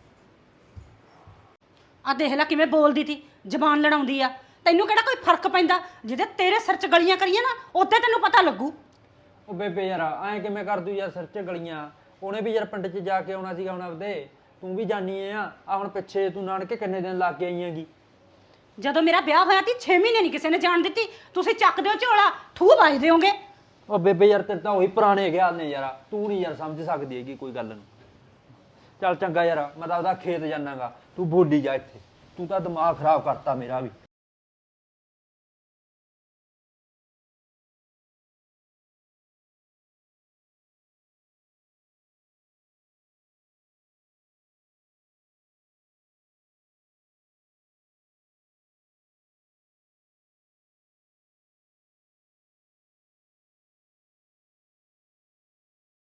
[SPEAKER 4] ਆ ਦੇਖ ਲੈ ਕਿਵੇਂ ਬੋਲਦੀ ਤੀ, ਜ਼ਬਾਨ ਲੜਾਉਂਦੀ ਆ। ਤੈਨੂੰ ਕਿਹੜਾ ਕੋਈ ਫਰਕ ਪੈਂਦਾ? ਜਿਹਦੇ ਤੇਰੇ ਸਿਰ 'ਚ ਗਲੀਆਂ ਕਰੀਆਂ ਨਾ, ਉੱਤੇ ਤੈਨੂੰ ਪਤਾ ਲੱਗੂ।
[SPEAKER 2] ਉਹ ਬੇਬੇ ਯਾਰ ਐਂ ਕਿਵੇਂ ਕਰ ਦੂ ਯਾਰ, ਸਿਰ 'ਚ ਗਲੀਆਂ? ਉਹਨੇ ਵੀ ਯਾਰ ਪਿੰਡ 'ਚ ਜਾ ਕੇ ਆਉਣਾ ਸੀਗਾ ਹੁਣ ਆਪਦੇ। ਤੂੰ ਵੀ ਜਾਣੀ ਆ, ਆ ਹੁਣ ਪਿੱਛੇ ਤੂੰ ਨਾਨਕੇ ਕਿੰਨੇ ਦਿਨ ਲਾ ਕੇ ਆਈ ਹੈਗੀ?
[SPEAKER 4] ਜਦੋਂ ਮੇਰਾ ਵਿਆਹ ਹੋਇਆ ਤੀ ਛੇ ਮਹੀਨੇ ਨਹੀਂ ਕਿਸੇ ਨੇ ਜਾਣ ਦਿੱਤੀ। ਤੁਸੀਂ ਚੱਕਦੇ ਹੋ ਝੋਲਾ, ਠੂ ਵੱਜਦੇ ਹੋਗੇ।
[SPEAKER 2] ਉਹ ਬੇਬੇ ਯਾਰ ਤੇਰੇ ਤਾਂ ਉਹੀ ਪੁਰਾਣੇ ਹੈਗੇ ਹਾਲ ਨੇ ਯਾਰ, ਤੂੰ ਨਹੀਂ ਯਾਰ ਸਮਝ ਸਕਦੀ ਹੈਗੀ ਕੋਈ ਗੱਲ ਨੂੰ। ਚੱਲ ਚੰਗਾ ਯਾਰ, ਮੈਂ ਤਾਂ ਉਹਦਾ ਖੇਤ ਜਾਣਾਗਾ, ਤੂੰ ਬੋਲੀ ਜਾ ਇੱਥੇ। ਤੂੰ ਤਾਂ ਦਿਮਾਗ ਖਰਾਬ ਕਰਤਾ ਮੇਰਾ ਵੀ।